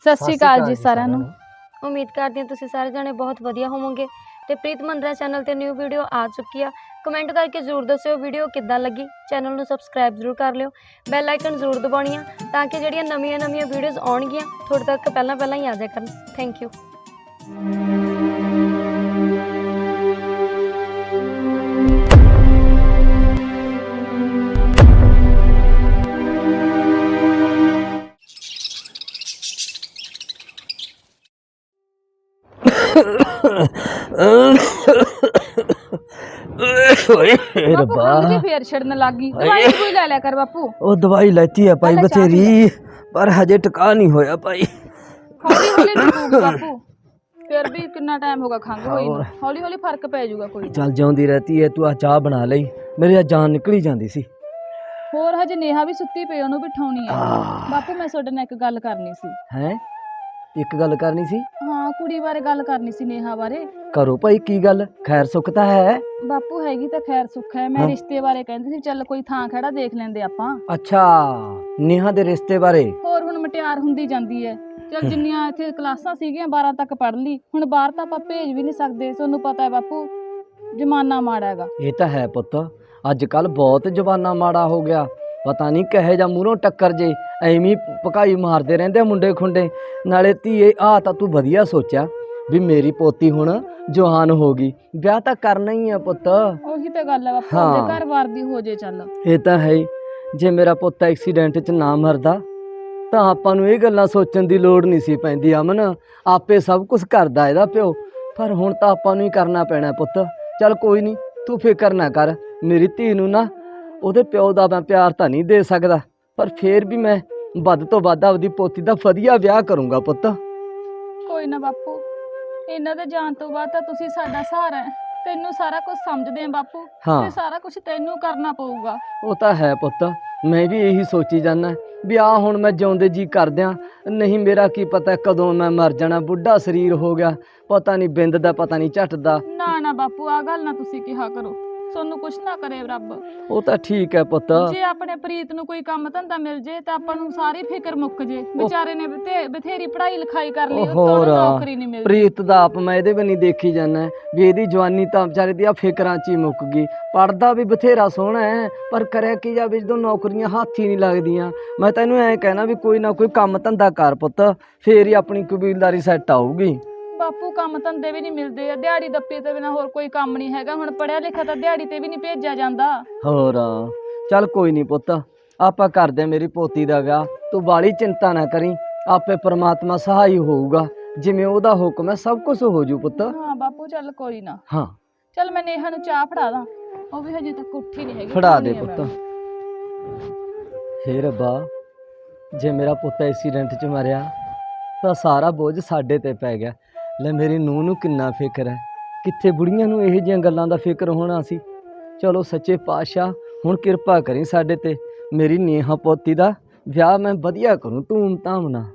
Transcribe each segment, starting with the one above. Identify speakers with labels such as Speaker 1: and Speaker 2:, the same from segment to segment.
Speaker 1: ਸਤਿ ਸ਼੍ਰੀ ਅਕਾਲ ਜੀ ਸਾਰਿਆਂ ਨੂੰ।
Speaker 2: ਉਮੀਦ ਕਰਦੀ ਹਾਂ ਤੁਸੀਂ ਸਾਰੇ ਜਣੇ ਬਹੁਤ ਵਧੀਆ ਹੋਵੋਗੇ ਤੇ ਪ੍ਰੀਤ ਮੰਦਰਾ ਚੈਨਲ ਤੇ ਨਿਊ ਵੀਡੀਓ ਆ ਚੁੱਕੀ ਆ। ਕਮੈਂਟ ਕਰਕੇ ਜ਼ਰੂਰ ਦੱਸਿਓ ਵੀਡੀਓ ਕਿੱਦਾਂ ਲੱਗੀ। ਚੈਨਲ ਨੂੰ ਸਬਸਕ੍ਰਾਈਬ ਜ਼ਰੂਰ ਕਰ ਲਿਓ, ਬੈਲ ਆਈਕਨ ਜ਼ਰੂਰ ਦਬਾਉਣੀ ਆ ਤਾਂ ਕਿ ਜਿਹੜੀਆਂ ਨਵੀਆਂ ਵੀਡੀਓਜ਼ ਆਉਣਗੀਆਂ ਤੁਹਾਡੇ ਤੱਕ ਪਹਿਲਾਂ ਹੀ ਆ ਜਾਇਆ ਕਰਨ। Thank you.
Speaker 1: ਬਾਪੂ ਖੰਗ ਜੀ ਫੇਰ ਛੜਨ ਲੱਗ ਗਈ। ਦਵਾਈ ਕੋਈ ਲੈ ਲਿਆ ਕਰ ਬਾਪੂ।
Speaker 3: ਉਹ ਦਵਾਈ ਲੈਤੀ ਹੈ ਭਾਈ ਬਥੇਰੀ, ਪਰ ਹਜੇ ਟਿਕਾ ਨਹੀਂ ਹੋਇਆ ਭਾਈ।
Speaker 1: ਹੌਲੀ ਹੌਲੀ ਟਿਕੂਗੀ ਬਾਪੂ, ਫਿਰ ਵੀ ਕਿੰਨਾ ਟਾਈਮ ਹੋਗਾ ਖੰਗ ਹੋਈ ਨੂੰ। ਹੌਲੀ ਹੌਲੀ ਫਰਕ ਪੈ ਜਾਊਗਾ ਕੋਈ।
Speaker 3: ਚੱਲ ਜਿਉਂਦੀ ਰਹਤੀ ਹੈ ਤੂੰ। ਆ ਚਾਹ ਬਣਾ ਲਈ, ਮੇਰੀ ਜਾਨ ਨਿਕਲੀ ਜਾਂਦੀ ਸੀ।
Speaker 1: ਹੋਰ ਹਜੇ ਨੇਹਾ ਵੀ ਸੁੱਤੀ ਪਈ, ਉਹਨੂੰ ਬਿਠਾਉਣੀ ਆ। ਬਾਪੂ ਮੈਂ ਤੁਹਾਡੇ ਨਾਲ ਇੱਕ ਗੱਲ ਕਰਨੀ ਸੀ।
Speaker 3: ਹੈ ਇੱਕ ਗੱਲ ਕਰਨੀ ਸੀ?
Speaker 1: ਹਾਂ, ਕੁੜੀ ਬਾਰੇ ਗੱਲ ਕਰਨੀ ਸੀ, ਨੇਹਾ ਬਾਰੇ।
Speaker 3: ਕਰੋ ਭਾਈ, ਕੀ ਗੱਲ? ਖੈਰ ਸੁੱਖ ਤਾਂ ਹੈ?
Speaker 1: ਬਾਪੂ ਹੈਗੀ ਤਾਂ ਖੈਰ ਸੁੱਖ ਹੈ। ਮੈਂ ਰਿਸ਼ਤੇ ਬਾਰੇ ਕਹਿੰਦੀ ਸੀ, ਚੱਲ ਕੋਈ ਥਾਂ ਖੜਾ ਦੇਖ ਲੈਂਦੇ ਆਪਾਂ।
Speaker 3: ਅੱਛਾ, ਨੇਹਾ ਦੇ ਰਿਸ਼ਤੇ ਬਾਰੇ?
Speaker 1: ਹੋਰ ਹੁਣ ਮਟਿਆਰ ਹੁੰਦੀ ਜਾਂਦੀ ਹੈ। ਚੱਲ ਜਿੰਨੀਆਂ ਇੱਥੇ ਕਲਾਸਾਂ ਸੀਗੀਆਂ 12 ਤੱਕ ਪੜ੍ਹ ਲਈ, ਹੁਣ ਬਾਹਰ ਤਾਂ ਆਪਾਂ ਭੇਜ ਵੀ ਨਹੀਂ ਸਕਦੇ। ਤੁਹਾਨੂੰ ਪਤਾ ਹੈ ਬਾਪੂ, ਜ਼ਮਾਨਾ ਮਾੜਾ ਹੈਗਾ।
Speaker 3: ਇਹ ਤਾਂ ਹੈ ਪੁੱਤ, ਅੱਜ ਕੱਲ ਬਹੁਤ ਜ਼ਮਾਨਾ ਮਾੜਾ ਹੋ ਗਿਆ। ਪਤਾ ਨਹੀਂ ਕਹੇ ਜਾਂ ਮੂਹਰੋਂ ਟੱਕਰ ਜੇ ਐਵੇਂ ਭਕਾਈ ਮਾਰਦੇ ਰਹਿੰਦੇ ਮੁੰਡੇ ਖੁੰਡੇ। ਨਾਲੇ ਧੀਏ ਆ ਤਾਂ ਤੂੰ ਵਧੀਆ ਸੋਚਿਆ ਵੀ ਮੇਰੀ ਪੋਤੀ ਹੁਣ ਜਵਾਨ ਹੋ ਗਈ, ਵਿਆਹ ਤਾਂ ਕਰਨਾ ਹੀ ਆ ਪੁੱਤ।
Speaker 1: ਉਹੀ ਤਾਂ ਗੱਲ ਹੈ ਬਾਪੂ, ਆਪਦੇ ਘਰ-ਬਾਰ ਦੀ ਹੋ ਜੇ। ਚੱਲ
Speaker 3: ਇਹ ਤਾਂ ਹੈ। ਜੇ ਮੇਰਾ ਪੁੱਤ ਐਕਸੀਡੈਂਟ 'ਚ ਨਾ ਮਰਦਾ ਤਾਂ ਆਪਾਂ ਨੂੰ ਇਹ ਗੱਲਾਂ ਸੋਚਣ ਦੀ ਲੋੜ ਨਹੀਂ ਸੀ ਪੈਂਦੀ। ਅਮਨ ਆਪੇ ਸਭ ਕੁਝ ਕਰਦਾ ਇਹਦਾ ਪਿਓ, ਪਰ ਹੁਣ ਤਾਂ ਆਪਾਂ ਨੂੰ ਹੀ ਕਰਨਾ ਪੈਣਾ ਪੁੱਤ। ਚੱਲ ਕੋਈ ਨਹੀਂ, ਤੂੰ ਫਿਕਰ ਨਾ ਕਰ। ਮੇਰੀ ਧੀ ਨੂੰ ਨਾ ਉਹਦੇ ਪਿਓ ਦਾ ਮੈਂ ਪਿਆਰ ਤਾਂ ਨਹੀਂ ਦੇ ਸਕਦਾ, ਪਰ ਫੇਰ ਵੀ ਮੈਂ ਵੱਧ ਤੋਂ ਵੱਧ ਆਪਦੀ ਪੋਤੀ ਦਾ ਵਧੀਆ ਵਿਆਹ ਕਰੂੰਗਾ ਪੁੱਤ।
Speaker 1: ਕੋਈ ਨਾ ਬਾਪੂ, ਇਹਨਾਂ ਦੇ ਜਾਣ ਤੋਂ ਬਾਅਦ ਤਾਂ ਤੁਸੀਂ ਸਾਡਾ ਸਹਾਰਾ ਹੈ। ਤੈਨੂੰ ਸਾਰਾ ਕੁਝ ਸਮਝਦੇ ਆ ਬਾਪੂ, ਤੇ ਸਾਰਾ ਕੁਝ ਤੈਨੂੰ ਕਰਨਾ ਪਊਗਾ।
Speaker 3: ਉਹ ਤਾਂ ਹੈ ਪੁੱਤ, ਮੈਂ ਵੀ ਇਹੀ ਸੋਚੀ ਜਾਂਦਾ ਵੀ ਆ ਹੁਣ ਮੈਂ ਜਿਉਂਦੇ ਜੀ ਕਰਦਿਆਂ, ਨਹੀਂ ਮੇਰਾ ਕੀ ਪਤਾ ਕਦੋਂ ਮੈਂ ਮਰ ਜਾਣਾ। ਬੁੱਢਾ ਸਰੀਰ ਹੋ ਗਿਆ, ਪਤਾ ਨਹੀਂ ਬਿੰਦ ਦਾ, ਪਤਾ ਨਹੀਂ ਝੱਟ ਦਾ।
Speaker 1: ਨਾ ਬਾਪੂ, ਆ ਗੱਲ ਨਾ ਤੁਸੀਂ ਕਿਹਾ ਕਰੋ। ਤੁਹਾਨੂੰ ਕੁਛ ਨਾ ਕਰੇ ਰੱਬ।
Speaker 3: ਉਹ ਤਾਂ ਠੀਕ ਹੈ ਪੁੱਤ।
Speaker 1: ਜੇ ਆਪਣੇ ਪ੍ਰੀਤ ਨੂੰ ਕੋਈ ਕੰਮ ਧੰਦਾ ਮਿਲ ਜੇ ਤਾਂ ਆਪਾਂ ਨੂੰ ਸਾਰੀ ਫਿਕਰ ਮੁੱਕ ਜੇ। ਵਿਚਾਰੇ ਨੇ ਬਥੇਰੀ ਪੜ੍ਹਾਈ ਲਿਖਾਈ ਕਰ ਲਈ,
Speaker 3: ਹੋਰ
Speaker 1: ਨੌਕਰੀ ਨਹੀਂ ਮਿਲਦੀ।
Speaker 3: ਪ੍ਰੀਤ ਦਾ ਆਪ ਮੈਂ ਇਹਦੇ ਵੀ ਨਹੀਂ ਦੇਖੀ ਜਾਂਦਾ ਵੀ ਇਹਦੀ ਜਵਾਨੀ ਤਾਂ ਵਿਚਾਰੇ ਦੀ ਆ ਫਿਕਰਾਂ 'ਚ ਹੀ ਮੁੱਕ ਗਈ। ਪੜ੍ਹਦਾ ਵੀ ਬਥੇਰਾ ਸੋਹਣਾ ਹੈ, ਪਰ ਕਰਿਆ ਕੀ ਜਾਵੇ ਜਦੋਂ ਨੌਕਰੀਆਂ ਹੱਥ ਹੀ ਨਹੀਂ ਲੱਗਦੀਆਂ। ਮੈਂ ਤੈਨੂੰ ਐਂ ਕਹਿਣਾ ਵੀ ਕੋਈ ਨਾ ਕੋਈ ਕੰਮ ਧੰਦਾ ਕਰ ਪੁੱਤ, ਫੇਰ ਹੀ ਆਪਣੀ ਕਬੀਲਦਾਰੀ ਸੈੱਟ ਆਊਗੀ।
Speaker 1: ਬਾਪੂ ਕੰਮ ਧੰਦੇ ਵੀ ਨਹੀਂ ਮਿਲਦੇ ਆ, ਦਿਹਾੜੀ ਦੱਪੇ ਤੋਂ ਬਿਨਾਂ ਹੋਰ ਕੋਈ ਕੰਮ ਨਹੀਂ ਹੈਗਾ। ਹੁਣ ਪੜ੍ਹਿਆ ਲਿਖਿਆ ਤਾਂ ਦਿਹਾੜੀ ਤੇ ਵੀ ਨਹੀਂ ਭੇਜਿਆ ਜਾਂਦਾ।
Speaker 3: ਹੋਰ ਚੱਲ ਕੋਈ ਨਹੀਂ ਪੁੱਤ, ਆਪਾਂ ਕਰਦੇ ਮੇਰੀ ਪੋਤੀ ਦਾ ਵਿਆਹ। ਤੂੰ ਬਾਲੀ ਚਿੰਤਾ ਨਾ ਕਰੀ, ਆਪੇ ਪ੍ਰਮਾਤਮਾ ਸਹਾਈ ਹੋਊਗਾ। ਜਿਵੇਂ ਉਹਦਾ ਹੁਕਮ ਹੈ ਸਭ ਕੁਝ ਹੋ ਜੂ ਪੁੱਤ।
Speaker 1: ਹਾਂ ਬਾਪੂ, ਚੱਲ ਕੋਈ ਨਾ।
Speaker 3: ਹਾਂ
Speaker 1: ਚੱਲ ਮੈਂ ਨੇਹਾ ਨੂੰ ਚਾਹ ਫੜਾ ਦਾਂ, ਉਹ ਵੀ ਹਜੇ ਤੱਕ ਉੱਠੀ ਨਹੀਂ ਹੈਗੀ।
Speaker 3: ਫੜਾ ਦੇ ਪੁੱਤ। ਹੇ ਰੱਬਾ, ਜੇ ਮੇਰਾ ਪੁੱਤ ਐਕਸੀਡੈਂਟ 'ਚ ਮਰਿਆ ਤਾਂ ਸਾਰਾ ਬੋਝ ਸਾਡੇ ਤੇ ਪੈ ਗਿਆ। ਲੈ ਮੇਰੀ ਨੂੰਹ ਨੂੰ ਕਿੰਨਾ ਫਿਕਰ ਹੈ, ਕਿੱਥੇ ਬੁੜੀਆਂ ਨੂੰ ਇਹੋ ਜਿਹੀਆਂ ਗੱਲਾਂ ਦਾ ਫਿਕਰ ਹੋਣਾ ਸੀ। ਚਲੋ ਸੱਚੇ ਪਾਤਸ਼ਾਹ ਹੁਣ ਕਿਰਪਾ ਕਰੀ ਸਾਡੇ ਤੇ। ਮੇਰੀ ਨੇਹਾ ਪੋਤੀ ਦਾ ਵਿਆਹ ਮੈਂ ਵਧੀਆ ਕਰੂੰ ਧੂਮ ਧਾਮ ਨਾਲ।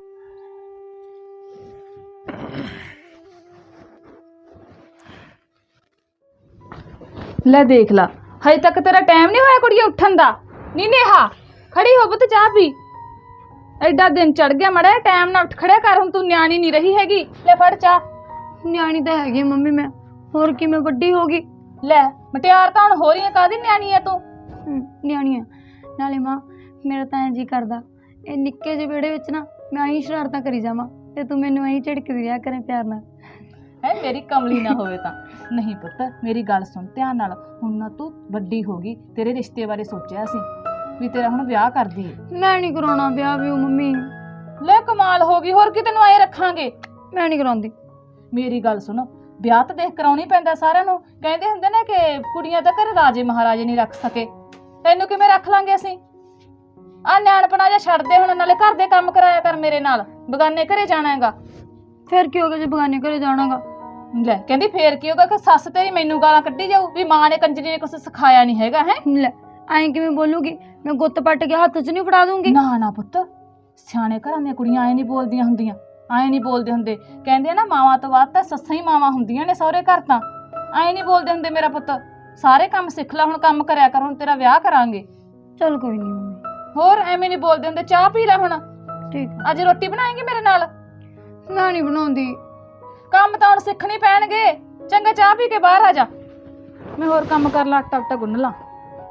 Speaker 1: ਲੈ ਦੇਖ ਲਾ, ਹਜੇ ਤੱਕ ਤੇਰਾ ਟਾਈਮ ਨਹੀਂ ਹੋਇਆ ਕੁੜੀਏ ਉੱਠਣ ਦਾ। ਨੀ ਨੇਹਾ, ਖੜੀ ਹੋ ਪੁੱਤ, ਚਾਹ ਪੀ। ਐਡਾ ਦਿਨ ਚੜ ਗਿਆ, ਮੜਾ ਟਾਈਮ ਨਾਲ ਉੱਠ ਖੜਿਆ ਕਰ। ਹੁਣ ਤੂੰ ਨਿਆਣੀ ਨਹੀਂ ਰਹੀ ਹੈਗੀ। ਲੈ ਫੜ ਚਾਹ।
Speaker 2: ਨਿਆਣੀ ਤਾਂ ਹੈਗੀ ਮੰਮੀ ਮੈਂ, ਹੋਰ ਕੀ ਮੈਂ ਵੱਡੀ ਹੋ ਗਈ?
Speaker 1: ਲੈ ਮਟਿਆਰ ਤਾਂ ਹੁਣ ਹੋ ਰਹੀ ਹੈ, ਕਾਹਦੀ ਨਿਆਣੀ ਹੈ ਤੂੰ?
Speaker 2: ਨਿਆਣੀ ਆ। ਨਾਲੇ ਮਾਂ, ਮੇਰਾ ਤਾਂ ਐਂ ਜੀ ਕਰਦਾ ਇਹ ਨਿੱਕੇ ਜਿਹੇ ਵਿਹੜੇ ਵਿੱਚ ਨਾ ਮੈਂ ਆਈ ਸ਼ਰਾਰਤਾਂ ਕਰੀ ਜਾਵਾਂ ਤੇ ਤੂੰ ਮੈਨੂੰ ਐਂ ਝਿੜਕਦੀ ਰਿਹਾ ਕਰੇ ਪਿਆਰ ਨਾਲ।
Speaker 1: ਹੈ ਮੇਰੀ ਕਮਲੀ ਨਾ ਹੋਵੇ ਤਾਂ। ਨਹੀਂ ਪੁੱਤ, ਮੇਰੀ ਗੱਲ ਸੁਣ ਧਿਆਨ ਨਾਲ। ਹੁਣ ਨਾ ਤੂੰ ਵੱਡੀ ਹੋ ਗਈ, ਤੇਰੇ ਰਿਸ਼ਤੇ ਬਾਰੇ ਸੋਚਿਆ ਸੀ ਵੀ ਤੇਰਾ ਹੁਣ ਵਿਆਹ ਕਰਦੀ ਏ।
Speaker 2: ਮੈਂ ਨਹੀਂ ਕਰਾਉਣਾ ਵਿਆਹ ਵੀ ਮੰਮੀ।
Speaker 1: ਲੈ ਕਮਾਲ ਹੋ ਗਈ, ਹੋਰ ਕੀ ਤੈਨੂੰ ਆਏ ਰੱਖਾਂਗੇ।
Speaker 2: ਮੈਂ ਨਹੀਂ ਕਰਾਉਂਦੀ।
Speaker 1: ਮੇਰੀ ਗੱਲ ਸੁਣ, ਵਿਆਹ ਤਾਂ ਦੇਖ ਕਰਾਉਣੀ ਪੈਂਦਾ ਸਾਰਿਆਂ ਨੂੰ। ਕਹਿੰਦੇ ਹੁੰਦੇ ਨੇ ਕਿ ਕੁੜੀਆਂ ਤਾਂ ਘਰੇ ਰਾਜੇ ਮਹਾਰਾਜੇ ਨਹੀਂ ਰੱਖ ਸਕੇ, ਤੈਨੂੰ ਕਿਵੇਂ ਰੱਖ ਲਾਂਗੇ ਅਸੀਂ? ਆ ਨਿਆਣਪਣਾ ਜਿਹਾ ਛੱਡ ਦੇ ਹੁਣ, ਨਾਲੇ ਘਰ ਦੇ ਕੰਮ ਕਰਾਇਆ ਕਰ ਮੇਰੇ ਨਾਲ। ਬਗਾਨੇ ਘਰੇ ਜਾਣਾ ਹੈਗਾ।
Speaker 2: ਫਿਰ ਕੀ ਹੋ ਗਿਆ ਜੇ ਬਗਾਨੇ ਘਰੇ ਜਾਣਾਗਾ?
Speaker 1: ਲੈ ਕਹਿੰਦੀ ਫੇਰ ਕੀ ਹੋਗਾ ਕਿ ਸੱਸ ਤੇਰੀ ਮੈਨੂੰ ਗਾਲਾਂ ਕੱਢੀ ਜਾਊ ਵੀ ਮਾਂ ਨੇ ਕੰਜਰੀ ਨੇ ਕੁਛ ਸਿਖਾਇਆ ਨਹੀਂ ਹੈਗਾ। ਹੈ
Speaker 2: ਲੈ ਐਂ ਕਿਵੇਂ ਬੋਲੂਗੀ? ਮੈਂ ਗੁੱਤ ਪੱਟ ਕੇ ਹੱਥ 'ਚ ਨਹੀਂ ਫੜਾ ਦੂੰਗੀ।
Speaker 1: ਨਾ ਪੁੱਤ, ਸਿਆਣੇ ਘਰਾਂ ਦੀਆਂ ਕੁੜੀਆਂ ਐਂ ਨਹੀਂ ਬੋਲਦੀਆਂ ਹੁੰਦੀਆਂ, ਐਂ ਨਹੀਂ ਬੋਲਦੇ ਹੁੰਦੇ। ਕਹਿੰਦੇ ਆ ਨਾ, ਮਾਵਾਂ ਤੋਂ ਬਾਅਦ ਤਾਂ ਸੱਸਾਂ ਹੀ ਮਾਵਾਂ ਹੁੰਦੀਆਂ ਨੇ ਸਹੁਰੇ ਘਰ। ਤਾਂ ਐਂ ਨਹੀਂ ਬੋਲਦੇ ਹੁੰਦੇ ਮੇਰਾ ਪੁੱਤ। ਸਾਰੇ ਕੰਮ ਸਿੱਖ ਲੈ, ਹੁਣ ਕੰਮ ਕਰਿਆ ਕਰ। ਹੁਣ ਤੇਰਾ ਵਿਆਹ ਕਰਾਂਗੇ।
Speaker 2: ਚੱਲ ਕੋਈ ਨਹੀਂ ਮੰਮੀ।
Speaker 1: ਹੋਰ ਐਵੇਂ ਨਹੀਂ ਬੋਲਦੇ ਹੁੰਦੇ। ਚਾਹ ਪੀ ਲੈ ਹੁਣ।
Speaker 2: ਠੀਕ।
Speaker 1: ਅੱਜ ਰੋਟੀ ਬਣਾਏਂਗੀ ਮੇਰੇ ਨਾਲ?
Speaker 2: ਮੈਂ ਨਹੀਂ ਬਣਾਉਂਦੀ।
Speaker 1: ਕੰਮ ਤਾਂ ਹੁਣ ਸਿੱਖਣੇ ਪੈਣਗੇ। ਚੰਗਾ ਚਾਹ ਪੀ ਕੇ ਬਾਹਰ ਆ ਜਾ, ਮੈਂ ਹੋਰ ਕੰਮ ਕਰ ਲਾ, ਆਟਾ ਉਟਾ ਗੁੰਨ ਲਾ।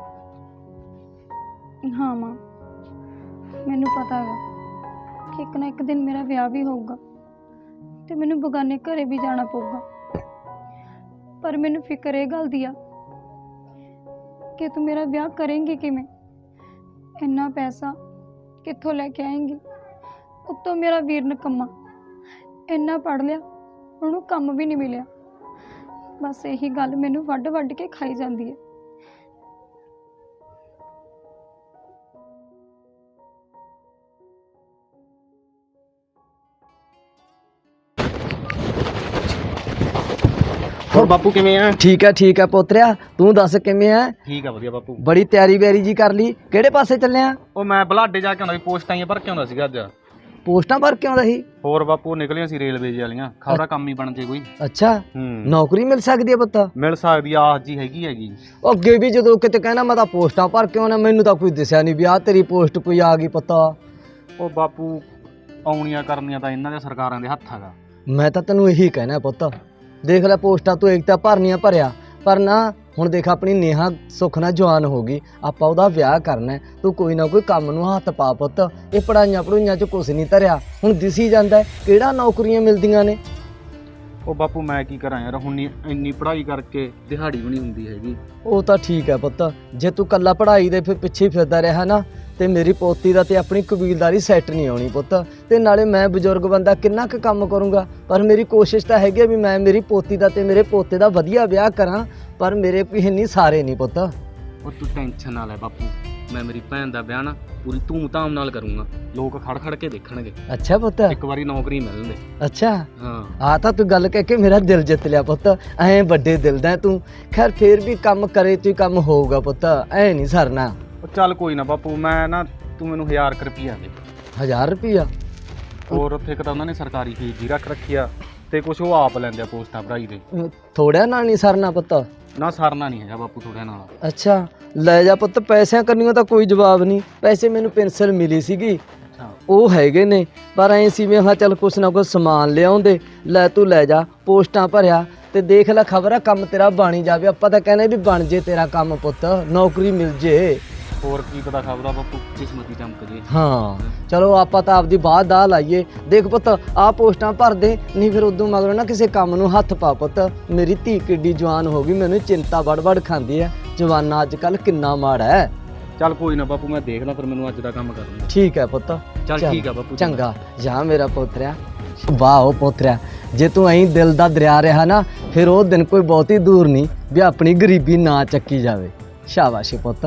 Speaker 2: ਹਾਂ ਮਾਂ, ਮੈਨੂੰ ਪਤਾ ਹੈਗਾ ਕਿ ਇੱਕ ਨਾ ਇੱਕ ਦਿਨ ਮੇਰਾ ਵਿਆਹ ਵੀ ਹੋਊਗਾ ਤੇ ਮੈਨੂੰ ਬਗਾਨੇ ਘਰੇ ਵੀ ਜਾਣਾ ਪਊਗਾ। ਪਰ ਮੈਨੂੰ ਫਿਕਰ ਇਹ ਗੱਲ ਦੀ ਆ ਕਿ ਤੂੰ ਮੇਰਾ ਵਿਆਹ ਕਰੇਂਗੀ ਕਿਵੇਂ, ਇੰਨਾ ਪੈਸਾ ਕਿੱਥੋਂ ਲੈ ਕੇ ਆਏਂਗੀ। ਉੱਤੋਂ ਮੇਰਾ ਵੀਰ ਨਿਕੰਮਾ, ਇੰਨਾ ਪੜ੍ਹ ਲਿਆ, ਉਹਨੂੰ ਕੰਮ ਵੀ ਨਹੀਂ ਮਿਲਿਆ। ਬਸ ਇਹੀ ਗੱਲ ਮੈਨੂੰ ਵੱਢ ਵੱਢ ਕੇ ਖਾਈ ਜਾਂਦੀ ਹੈ।
Speaker 4: ਹੋਰ ਬਾਪੂ ਕਿਵੇਂ ਆ?
Speaker 3: ਠੀਕ ਹੈ ਪੋਤਰਿਆ, ਤੂੰ ਦੱਸ ਕਿਵੇਂ ਆ?
Speaker 4: ਠੀਕ ਆ, ਵਧੀਆ ਬਾਪੂ।
Speaker 3: ਬੜੀ ਤਿਆਰੀ ਬਿਆਰੀ ਜੀ ਕਰ ਲਈ, ਕਿਹੜੇ ਪਾਸੇ ਚੱਲਿਆ?
Speaker 4: ਉਹ ਮੈਂ ਬਲਾਡੇ ਜਾ ਕੇ ਆਉਂਦਾ ਸੀ, ਪੋਸਟਾਂ ਹੀ ਭਰ ਕੇ ਆਉਂਦਾ ਸੀਗਾ ਅੱਜ।
Speaker 3: ਪੋਸਟਾਂ ਭਰ ਕੇ ਆਉਂਦਾ ਸੀ?
Speaker 4: ਹੋਰ ਬਾਪੂ, ਨਿਕਲੀਆਂ ਸੀ ਰੇਲਵੇਜ ਵਾਲੀਆਂ, ਖਬਰਾਂ ਕੰਮ ਹੀ ਬਣ ਜੇ ਕੋਈ।
Speaker 3: ਅੱਛਾ, ਨੌਕਰੀ ਮਿਲ ਸਕਦੀ ਹੈ ਪੁੱਤ?
Speaker 4: ਮਿਲ ਸਕਦੀ ਆ, ਆਹ ਜੀ ਹੈਗੀ।
Speaker 3: ਉਹ ਅੱਗੇ ਵੀ ਜਦੋਂ ਕਿਤੇ ਕਹਿਣਾ ਮੈਂ ਤਾਂ ਪੋਸਟਾਂ ਭਰ ਕੇ ਆਉਣਾ, ਮੈਨੂੰ ਤਾਂ ਕੋਈ ਦਿਸਿਆ ਨਹੀਂ ਵੀ ਆਹ ਤੇਰੀ ਪੋਸਟ ਕੋਈ ਆ ਗਈ ਪਤਾ।
Speaker 4: ਉਹ ਬਾਪੂ, ਆਉਣੀਆਂ ਕਰਨੀਆਂ ਤਾਂ ਇਹਨਾਂ ਦੇ ਸਰਕਾਰਾਂ ਦੇ ਹੱਥ ਹੈਗਾ।
Speaker 3: ਮੈਂ ਤਾਂ ਤੈਨੂੰ ਇਹੀ ਕਹਿਣਾ ਪੁੱਤ, ਦੇਖ ਲੈ ਪੋਸਟਾਂ ਤੂੰ ਇੱਕ ਤਾਂ ਭਰਨੀਆਂ ਭਰਿਆ, ਪਰ ਨਾ ਹੁਣ ਦੇਖ ਆਪਣੀ ਨੇਹਾ ਸੁੱਖ ਨਾਲ ਜਵਾਨ ਹੋ ਗਈ, ਆਪਾਂ ਉਹਦਾ ਵਿਆਹ ਕਰਨਾ, ਤੂੰ ਕੋਈ ਨਾ ਕੋਈ ਕੰਮ ਨੂੰ ਹੱਥ ਪਾ ਪੁੱਤ। ਇਹ ਪੜ੍ਹਾਈਆਂ 'ਚ ਕੁਛ ਨਹੀਂ ਧਰਿਆ, ਹੁਣ ਦਿਸੀ ਜਾਂਦਾ ਕਿਹੜਾ ਨੌਕਰੀਆਂ ਮਿਲਦੀਆਂ ਨੇ।
Speaker 4: ਉਹ ਬਾਪੂ ਮੈਂ ਕੀ ਕਰਾਂ ਯਾਰ, ਹੁਣ ਇੰਨੀ ਪੜ੍ਹਾਈ ਕਰਕੇ ਦਿਹਾੜੀ ਵੀ ਨਹੀਂ ਹੁੰਦੀ ਹੈਗੀ।
Speaker 3: ਉਹ ਤਾਂ ਠੀਕ ਹੈ ਪੁੱਤ, ਜੇ ਤੂੰ ਕੱਲਾ ਪੜ੍ਹਾਈ ਦੇ ਫਿਰ ਪਿੱਛੇ ਫਿਰਦਾ ਰਿਹਾ ਨਾ ਤੇ ਮੇਰੀ ਪੋਤੀ ਦਾ ਤੇ ਆਪਣੀ ਕਬੀਲਦਾਰੀ ਸੈੱਟ ਨਹੀਂ ਆਉਣੀ ਪੁੱਤ। ਤੇ ਨਾਲੇ ਮੈਂ ਬਜ਼ੁਰਗ ਬੰਦਾ ਕਿੰਨਾ ਕੁ ਕੰਮ ਕਰੂੰਗਾ, ਪਰ ਮੇਰੀ ਕੋਸ਼ਿਸ਼ ਤਾਂ ਹੈਗੀ ਵੀ ਮੈਂ ਮੇਰੀ ਪੋਤੀ ਦਾ ਤੇ ਮੇਰੇ ਪੋਤੇ ਦਾ ਵਧੀਆ ਵਿਆਹ ਕਰਾਂ, ਪਰ ਮੇਰੇ ਪਿੰਨੀ ਸਾਰੇ ਨਹੀਂ ਪੁੱਤ।
Speaker 4: ਉਹ ਤੂੰ ਟੈਨਸ਼ਨ ਨਾ ਲੈ ਬਾਪੂ, ਮੈਂ ਮੇਰੀ ਭੈਣ ਦਾ ਵਿਆਹ ਨਾ ਪੂਰੀ ਧੂਮ-ਧਾਮ ਨਾਲ ਕਰੂੰਗਾ, ਲੋਕ ਖੜ ਕੇ ਦੇਖਣਗੇ।
Speaker 3: ਅੱਛਾ ਪੁੱਤ,
Speaker 4: ਇੱਕ ਵਾਰੀ ਨੌਕਰੀ ਮਿਲਣ ਦੇ।
Speaker 3: ਅੱਛਾ
Speaker 4: ਹਾਂ,
Speaker 3: ਆ ਤਾਂ ਤੂੰ ਗੱਲ ਕਹਿ ਕੇ ਮੇਰਾ ਦਿਲ ਜਿੱਤ ਲਿਆ ਪੁੱਤ, ਐਂ ਵੱਡੇ ਦਿਲ ਦਾ ਤੂੰ। ਖੈਰ ਫੇਰ ਵੀ ਕੰਮ ਕਰੇ ਤੂੰ ਕੰਮ ਹੋਊਗਾ ਪੁੱਤ, ਐ ਨਹੀਂ ਸਰਨਾ।
Speaker 4: ਉਹ ਚੱਲ ਕੋਈ ਨਾ ਬਾਪੂ, ਮੈਂ ਨਾ ਤੂੰ ਮੈਨੂੰ 1000 ਰੁਪਈਆ ਦੇ।
Speaker 3: 1000 ਰੁਪਈਆ?
Speaker 4: ਹੋਰ ਉੱਥੇ ਇੱਕ ਤਾਂ ਉਹਨਾਂ ਨੇ ਸਰਕਾਰੀ ਫੀਸ ਜੀ ਰੱਖ ਰੱਖੀ ਆ, ਤੇ ਕੁਝ ਉਹ ਆਪ ਲੈਂਦੇ ਆ ਪੋਸਟਾਂ ਭਰਾਈ ਦੇ।
Speaker 3: ਥੋੜਿਆ ਨਾਲ ਨਹੀਂ ਸਰਨਾ ਪੁੱਤ?
Speaker 4: ਨਾ ਸਰਨਾ ਨਹੀਂ ਹੈਗਾ ਬਾਪੂ ਥੋੜਿਆਂ ਨਾਲ।
Speaker 3: ਅੱਛਾ ਲੈ ਜਾ ਪੁੱਤ, ਪੈਸਿਆਂ ਕਰਨੀਆਂ ਤਾਂ ਕੋਈ ਜਵਾਬ ਨਹੀਂ। ਪੈਸੇ ਮੈਨੂੰ ਪੈਨਸਲ ਮਿਲੀ ਸੀਗੀ, ਉਹ ਹੈਗੇ ਨੇ, ਪਰ ਐਂ ਸੀ ਮੈਂ ਚੱਲ ਕੁਛ ਨਾ ਕੁਛ ਸਮਾਨ ਲਿਆਉਂਦੇ। ਲੈ ਤੂੰ ਲੈ ਜਾ, ਪੋਸਟਾਂ ਭਰਿਆ ਤੇ ਦੇਖ ਲੈ, ਖਬਰ ਆ ਕੰਮ ਤੇਰਾ ਬਣ ਜਾਵੇ। ਆਪਾਂ ਤਾਂ ਕਹਿੰਦੇ ਵੀ ਬਣ ਜੇ ਤੇਰਾ ਕੰਮ ਪੁੱਤ, ਨੌਕਰੀ ਮਿਲ ਜੇ।
Speaker 4: ਹੋਰ ਕੀ ਪਤਾ ਖਬਰ ਆ ਬਾਪੂ, ਕਿਸਮਤ ਹੀ ਚਮਕ ਜੇ।
Speaker 3: ਹਾਂ ਚਲੋ ਆਪਾਂ ਤਾਂ ਆਪਦੀ ਬਾਤ ਦਾ ਲਾਈਏ। ਦੇਖ ਪੁੱਤ ਆਹ ਪੋਸਟਾਂ ਭਰ ਦੇ, ਨਹੀਂ ਫਿਰ ਉਦੋਂ ਮਗਰੋਂ ਨਾ ਕਿਸੇ ਕੰਮ ਨੂੰ ਹੱਥ ਪਾ ਪੁੱਤ। ਮੇਰੀ ਧੀ ਕਿੱਡੀ ਜਵਾਨ ਹੋ ਗਈ, ਮੈਨੂੰ ਚਿੰਤਾ ਵੜ ਖਾਂਦੀ ਹੈ। ਜਵਾਨਾ ਅੱਜ ਕੱਲ ਕਿੰਨਾ ਮਾੜਾ ਹੈ।
Speaker 4: ਚੱਲ ਕੋਈ ਨਾ ਬਾਪੂ, ਮੈਂ ਦੇਖ ਲਾਂ ਫਿਰ, ਮੈਨੂੰ ਅੱਜ ਦਾ ਕੰਮ ਕਰਨਾ।
Speaker 3: ਠੀਕ ਹੈ ਪੁੱਤ,
Speaker 4: ਚੱਲ ਠੀਕ ਆ ਬਾਪੂ।
Speaker 3: ਚੰਗਾ ਜਾ ਮੇਰਾ ਪੋਤਰਿਆ। ਵਾਹ ਉਹ ਪੋਤਰਿਆ, ਜੇ ਤੂੰ ਐਂ ਦਿਲ ਦਾ ਦਰਿਆ ਰਿਹਾ ਨਾ, ਫਿਰ ਉਹ ਦਿਨ ਕੋਈ ਬਹੁਤੀ ਦੂਰ ਨਹੀਂ ਵੀ ਆਪਣੀ ਗਰੀਬੀ ਨਾ ਚੱਕੀ ਜਾਵੇ। ਸ਼ਾਬਾਸ਼ ਪੁੱਤ।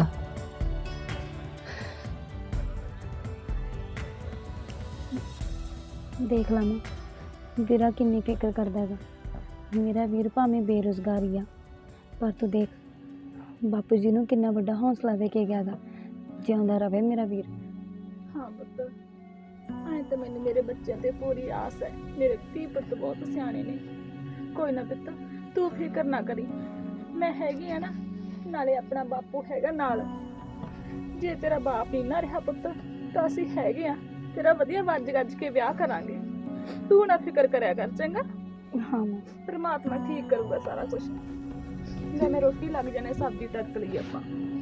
Speaker 2: ਦੇਖ ਲਾ ਮੈਂ ਵੀਰਾ ਕਿੰਨੀ ਫਿਕਰ ਕਰਦਾ ਹੈਗਾ। ਮੇਰਾ ਵੀਰ ਭਾਵੇਂ ਬੇਰੁਜ਼ਗਾਰ ਹੀ ਆ, ਪਰ ਤੂੰ ਦੇਖ ਬਾਪੂ ਜੀ ਨੂੰ ਕਿੰਨਾ ਵੱਡਾ ਹੌਸਲਾ ਦੇ ਕੇ ਗਿਆ ਗਾ। ਜਿਉਂਦਾ ਰਵੇ ਮੇਰਾ ਵੀਰ।
Speaker 1: ਹਾਂ ਪੁੱਤ, ਐਂ ਤਾਂ ਮੈਨੂੰ ਮੇਰੇ ਬੱਚਿਆਂ ਤੇ ਪੂਰੀ ਆਸ ਹੈ। ਮੇਰੇ ਧੀ ਪੁੱਤ ਬਹੁਤ ਸਿਆਣੇ ਨੇ। ਕੋਈ ਨਾ ਪੁੱਤ, ਤੂੰ ਫਿਕਰ ਨਾ ਕਰੀ, ਮੈਂ ਹੈਗੀ ਆ ਨਾ, ਨਾਲੇ ਆਪਣਾ ਬਾਪੂ ਹੈਗਾ ਨਾਲ। ਜੇ ਤੇਰਾ ਬਾਪ ਨਹੀਂ ਨਾ ਰਿਹਾ ਪੁੱਤ, ਤਾਂ ਅਸੀਂ ਹੈਗੇ ਆ, ਤੇਰਾ ਵਧੀਆ ਵੱਜ ਗੱਜ ਕੇ ਵਿਆਹ ਕਰਾਂਗੇ। ਤੂੰ ਨਾ ਫਿਕਰ ਕਰਿਆ ਕਰ, ਚੰਗਾ?
Speaker 2: ਹਾਂ ਮਾਂ,
Speaker 1: ਪਰਮਾਤਮਾ ਠੀਕ ਕਰੂਗਾ ਸਾਰਾ ਕੁਝ। ਜੇ ਮੈਂ ਰੋਟੀ ਲੱਗ ਜਾਣੇ, ਸਬਜ਼ੀ ਤੜਕ ਲਈ ਆਪਾਂ।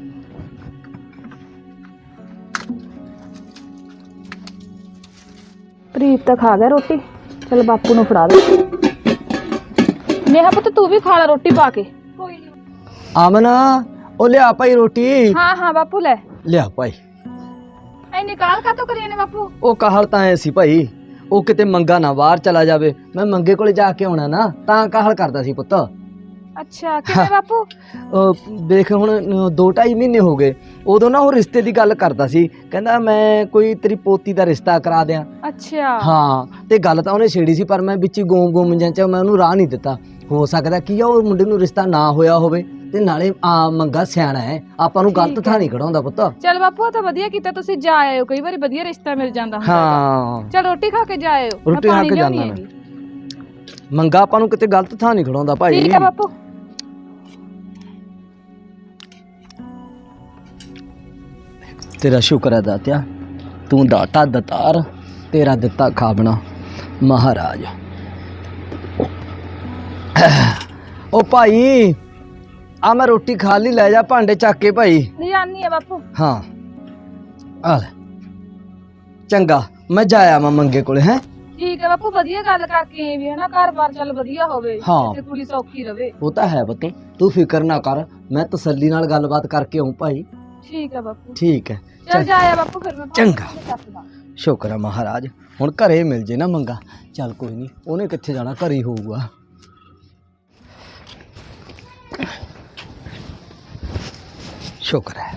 Speaker 1: ਪ੍ਰੀਤ ਤਾਂ ਖਾ ਗਿਆ ਰੋਟੀ, ਚਲ ਬਾਪੂ ਨੂੰ ਫੜਾ ਦੇ। ਨੇਹਾ ਪੁੱਤ ਤੂੰ ਵੀ ਖਾ ਲੈ ਰੋਟੀ ਪਾ ਕੇ। ਕੋਈ ਨਹੀਂ।
Speaker 3: ਆਮਨ ਉਹ ਲਿਆ ਭਾਈ ਰੋਟੀ।
Speaker 1: ਹਾਂ ਬਾਪੂ ਲੈ
Speaker 3: ਲਿਆ ਭਾਈ।
Speaker 1: ਐ ਨਿਕਾਲ ਕਾ ਤੋ ਕਰੀਏ ਨੇ ਬਾਪੂ? ਉਹ
Speaker 3: ਕਾਹਲ ਤਾਂ ਐ ਸੀ ਭਾਈ, ਉਹ ਕਿਤੇ ਮੰਗਾ ਨਾ ਬਾਹਰ ਚਲਾ ਜਾਵੇ, ਮੈਂ ਮੰਗੇ ਕੋਲੇ ਜਾ ਕੇ ਆਉਣਾ ਨਾ, ਤਾਂ ਕਾਹਲ ਕਰਦਾ ਸੀ ਪੁੱਤ।
Speaker 1: ਅੱਛਾ ਕਿਵੇਂ ਬਾਪੂ?
Speaker 3: ਦੇਖ ਹੁਣ 2-2.5 ਮਹੀਨੇ ਹੋ ਗਏ, ਉਦੋਂ ਨਾ ਉਹ ਰਿਸ਼ਤੇ ਦੀ ਗੱਲ ਕਰਦਾ ਸੀ, ਕਹਿੰਦਾ ਮੈਂ ਕੋਈ ਤੇਰੀ ਪੋਤੀ ਦਾ ਰਿਸ਼ਤਾ ਕਰਾ ਦਿਆਂ।
Speaker 1: ਅੱਛਾ
Speaker 3: ਹਾਂ, ਤੇ ਗੱਲ ਤਾਂ ਉਹਨੇ ਛੇੜੀ ਸੀ, ਪਰ ਮੈਂ ਵਿੱਚ ਗੁੰਮ ਜਾਂ ਮੈਂ ਉਹਨੂੰ ਰਾਹ ਨਹੀਂ ਦਿੱਤਾ। ਹੋ ਸਕਦਾ ਕੀ ਆ ਉਹ ਮੁੰਡੇ ਨੂੰ ਰਿਸ਼ਤਾ ਨਾ ਹੋਇਆ ਹੋਵੇ, ਤੇ ਨਾਲੇ ਮੰਗਾ ਸਿਆਣਾ ਹੈ, ਆਪਾਂ ਨੂੰ ਗਲਤ ਥਾਂ ਨਹੀਂ ਖੜਾਉਂਦਾ ਪੁੱਤ।
Speaker 1: ਚਲ ਬਾਪੂ ਆ ਤਾਂ ਵਧੀਆ ਕੀਤਾ ਤੁਸੀਂ ਜਾ ਆਇਓ, ਕਈ ਵਾਰੀ ਵਧੀਆ ਰਿਸ਼ਤਾ ਮਿਲ ਜਾਂਦਾ ਹੁੰਦਾ।
Speaker 3: ਹਾਂ
Speaker 1: ਚਲ ਰੋਟੀ ਖਾ ਕੇ ਜਾ ਆਇਓ,
Speaker 3: ਰੋਟੀ ਖਾ ਕੇ ਜਾਣਾ ਮੈਂ। ਮੰਗਾ ਆਪਾਂ ਨੂੰ ਕਿਤੇ ਗਲਤ ਥਾਂ ਨਹੀਂ ਖੜਾਉਂਦਾ ਭਾਈ।
Speaker 1: ਠੀਕ ਹੈ ਬਾਪੂ।
Speaker 3: ਤੇਰਾ ਸ਼ੁਕਰ ਹੈ ਦਾਤਿਆ, ਤੂੰ ਦਾਤਾ ਦਤਾਰ, ਤੇਰਾ ਦਿੱਤਾ ਖਾਬਣਾ। ਮਹਾਰਾਜ। ਉਹ ਭਾਈ ਆ ਮੈਂ ਰੋਟੀ ਖਾ ਲਈ, ਲੈ ਜਾ ਭਾਂਡੇ ਚੱਕ ਕੇ ਭਾਈ।
Speaker 1: ਨਹੀਂ ਆਨੀ ਆ ਬਾਪੂ।
Speaker 3: ਹਾਂ ਆ ਲੈ, ਚੰਗਾ ਮੈਂ ਜਾਇਆ ਮੈਂ ਮੰਗੇ ਕੋਲੇ ਹੈ।
Speaker 1: ਠੀਕ ਹੈ ਬਾਪੂ, ਵਧੀਆ ਗੱਲ ਕਰਕੇ ਵੀ ਹੈ ਨਾ, ਘਰ-ਬਾਰ ਚੱਲ ਵਧੀਆ ਹੋਵੇ
Speaker 3: ਹਾਂ।
Speaker 1: ਤੇ ਕੁੜੀ ਸੌਖੀ ਰਵੇ।
Speaker 3: ਉਹ ਤਾਂ ਹੈ ਪੁੱਤ, ਤੂੰ ਫਿਕਰ ਨਾ ਕਰ, ਮੈਂ ਤਸੱਲੀ ਨਾਲ ਗੱਲਬਾਤ ਕਰਕੇ ਆਉਂ ਭਾਈ।
Speaker 1: ਠੀਕ ਹੈ ਬਾਪੂ।
Speaker 3: ਠੀਕ ਹੈ
Speaker 1: ਚੱਲ ਜਾਇਆ ਬਾਪੂ ਫਿਰ ਮੈਂ
Speaker 3: ਚੰਗਾ।
Speaker 1: ਚੱਕਦਾ।
Speaker 3: ਸ਼ੁਕਰ ਹੈ ਮਹਾਰਾਜ, ਹੁਣ ਘਰੇ ਮਿਲ ਜੇ ਨਾ ਮੰਗਾ। ਚੱਲ ਕੋਈ ਨਹੀਂ, ਉਹਨੇ ਕਿੱਥੇ ਜਾਣਾ, ਘਰੇ ਹੀ ਹੋਊਗਾ। ਸ਼ੁਕਰ ਹੈ।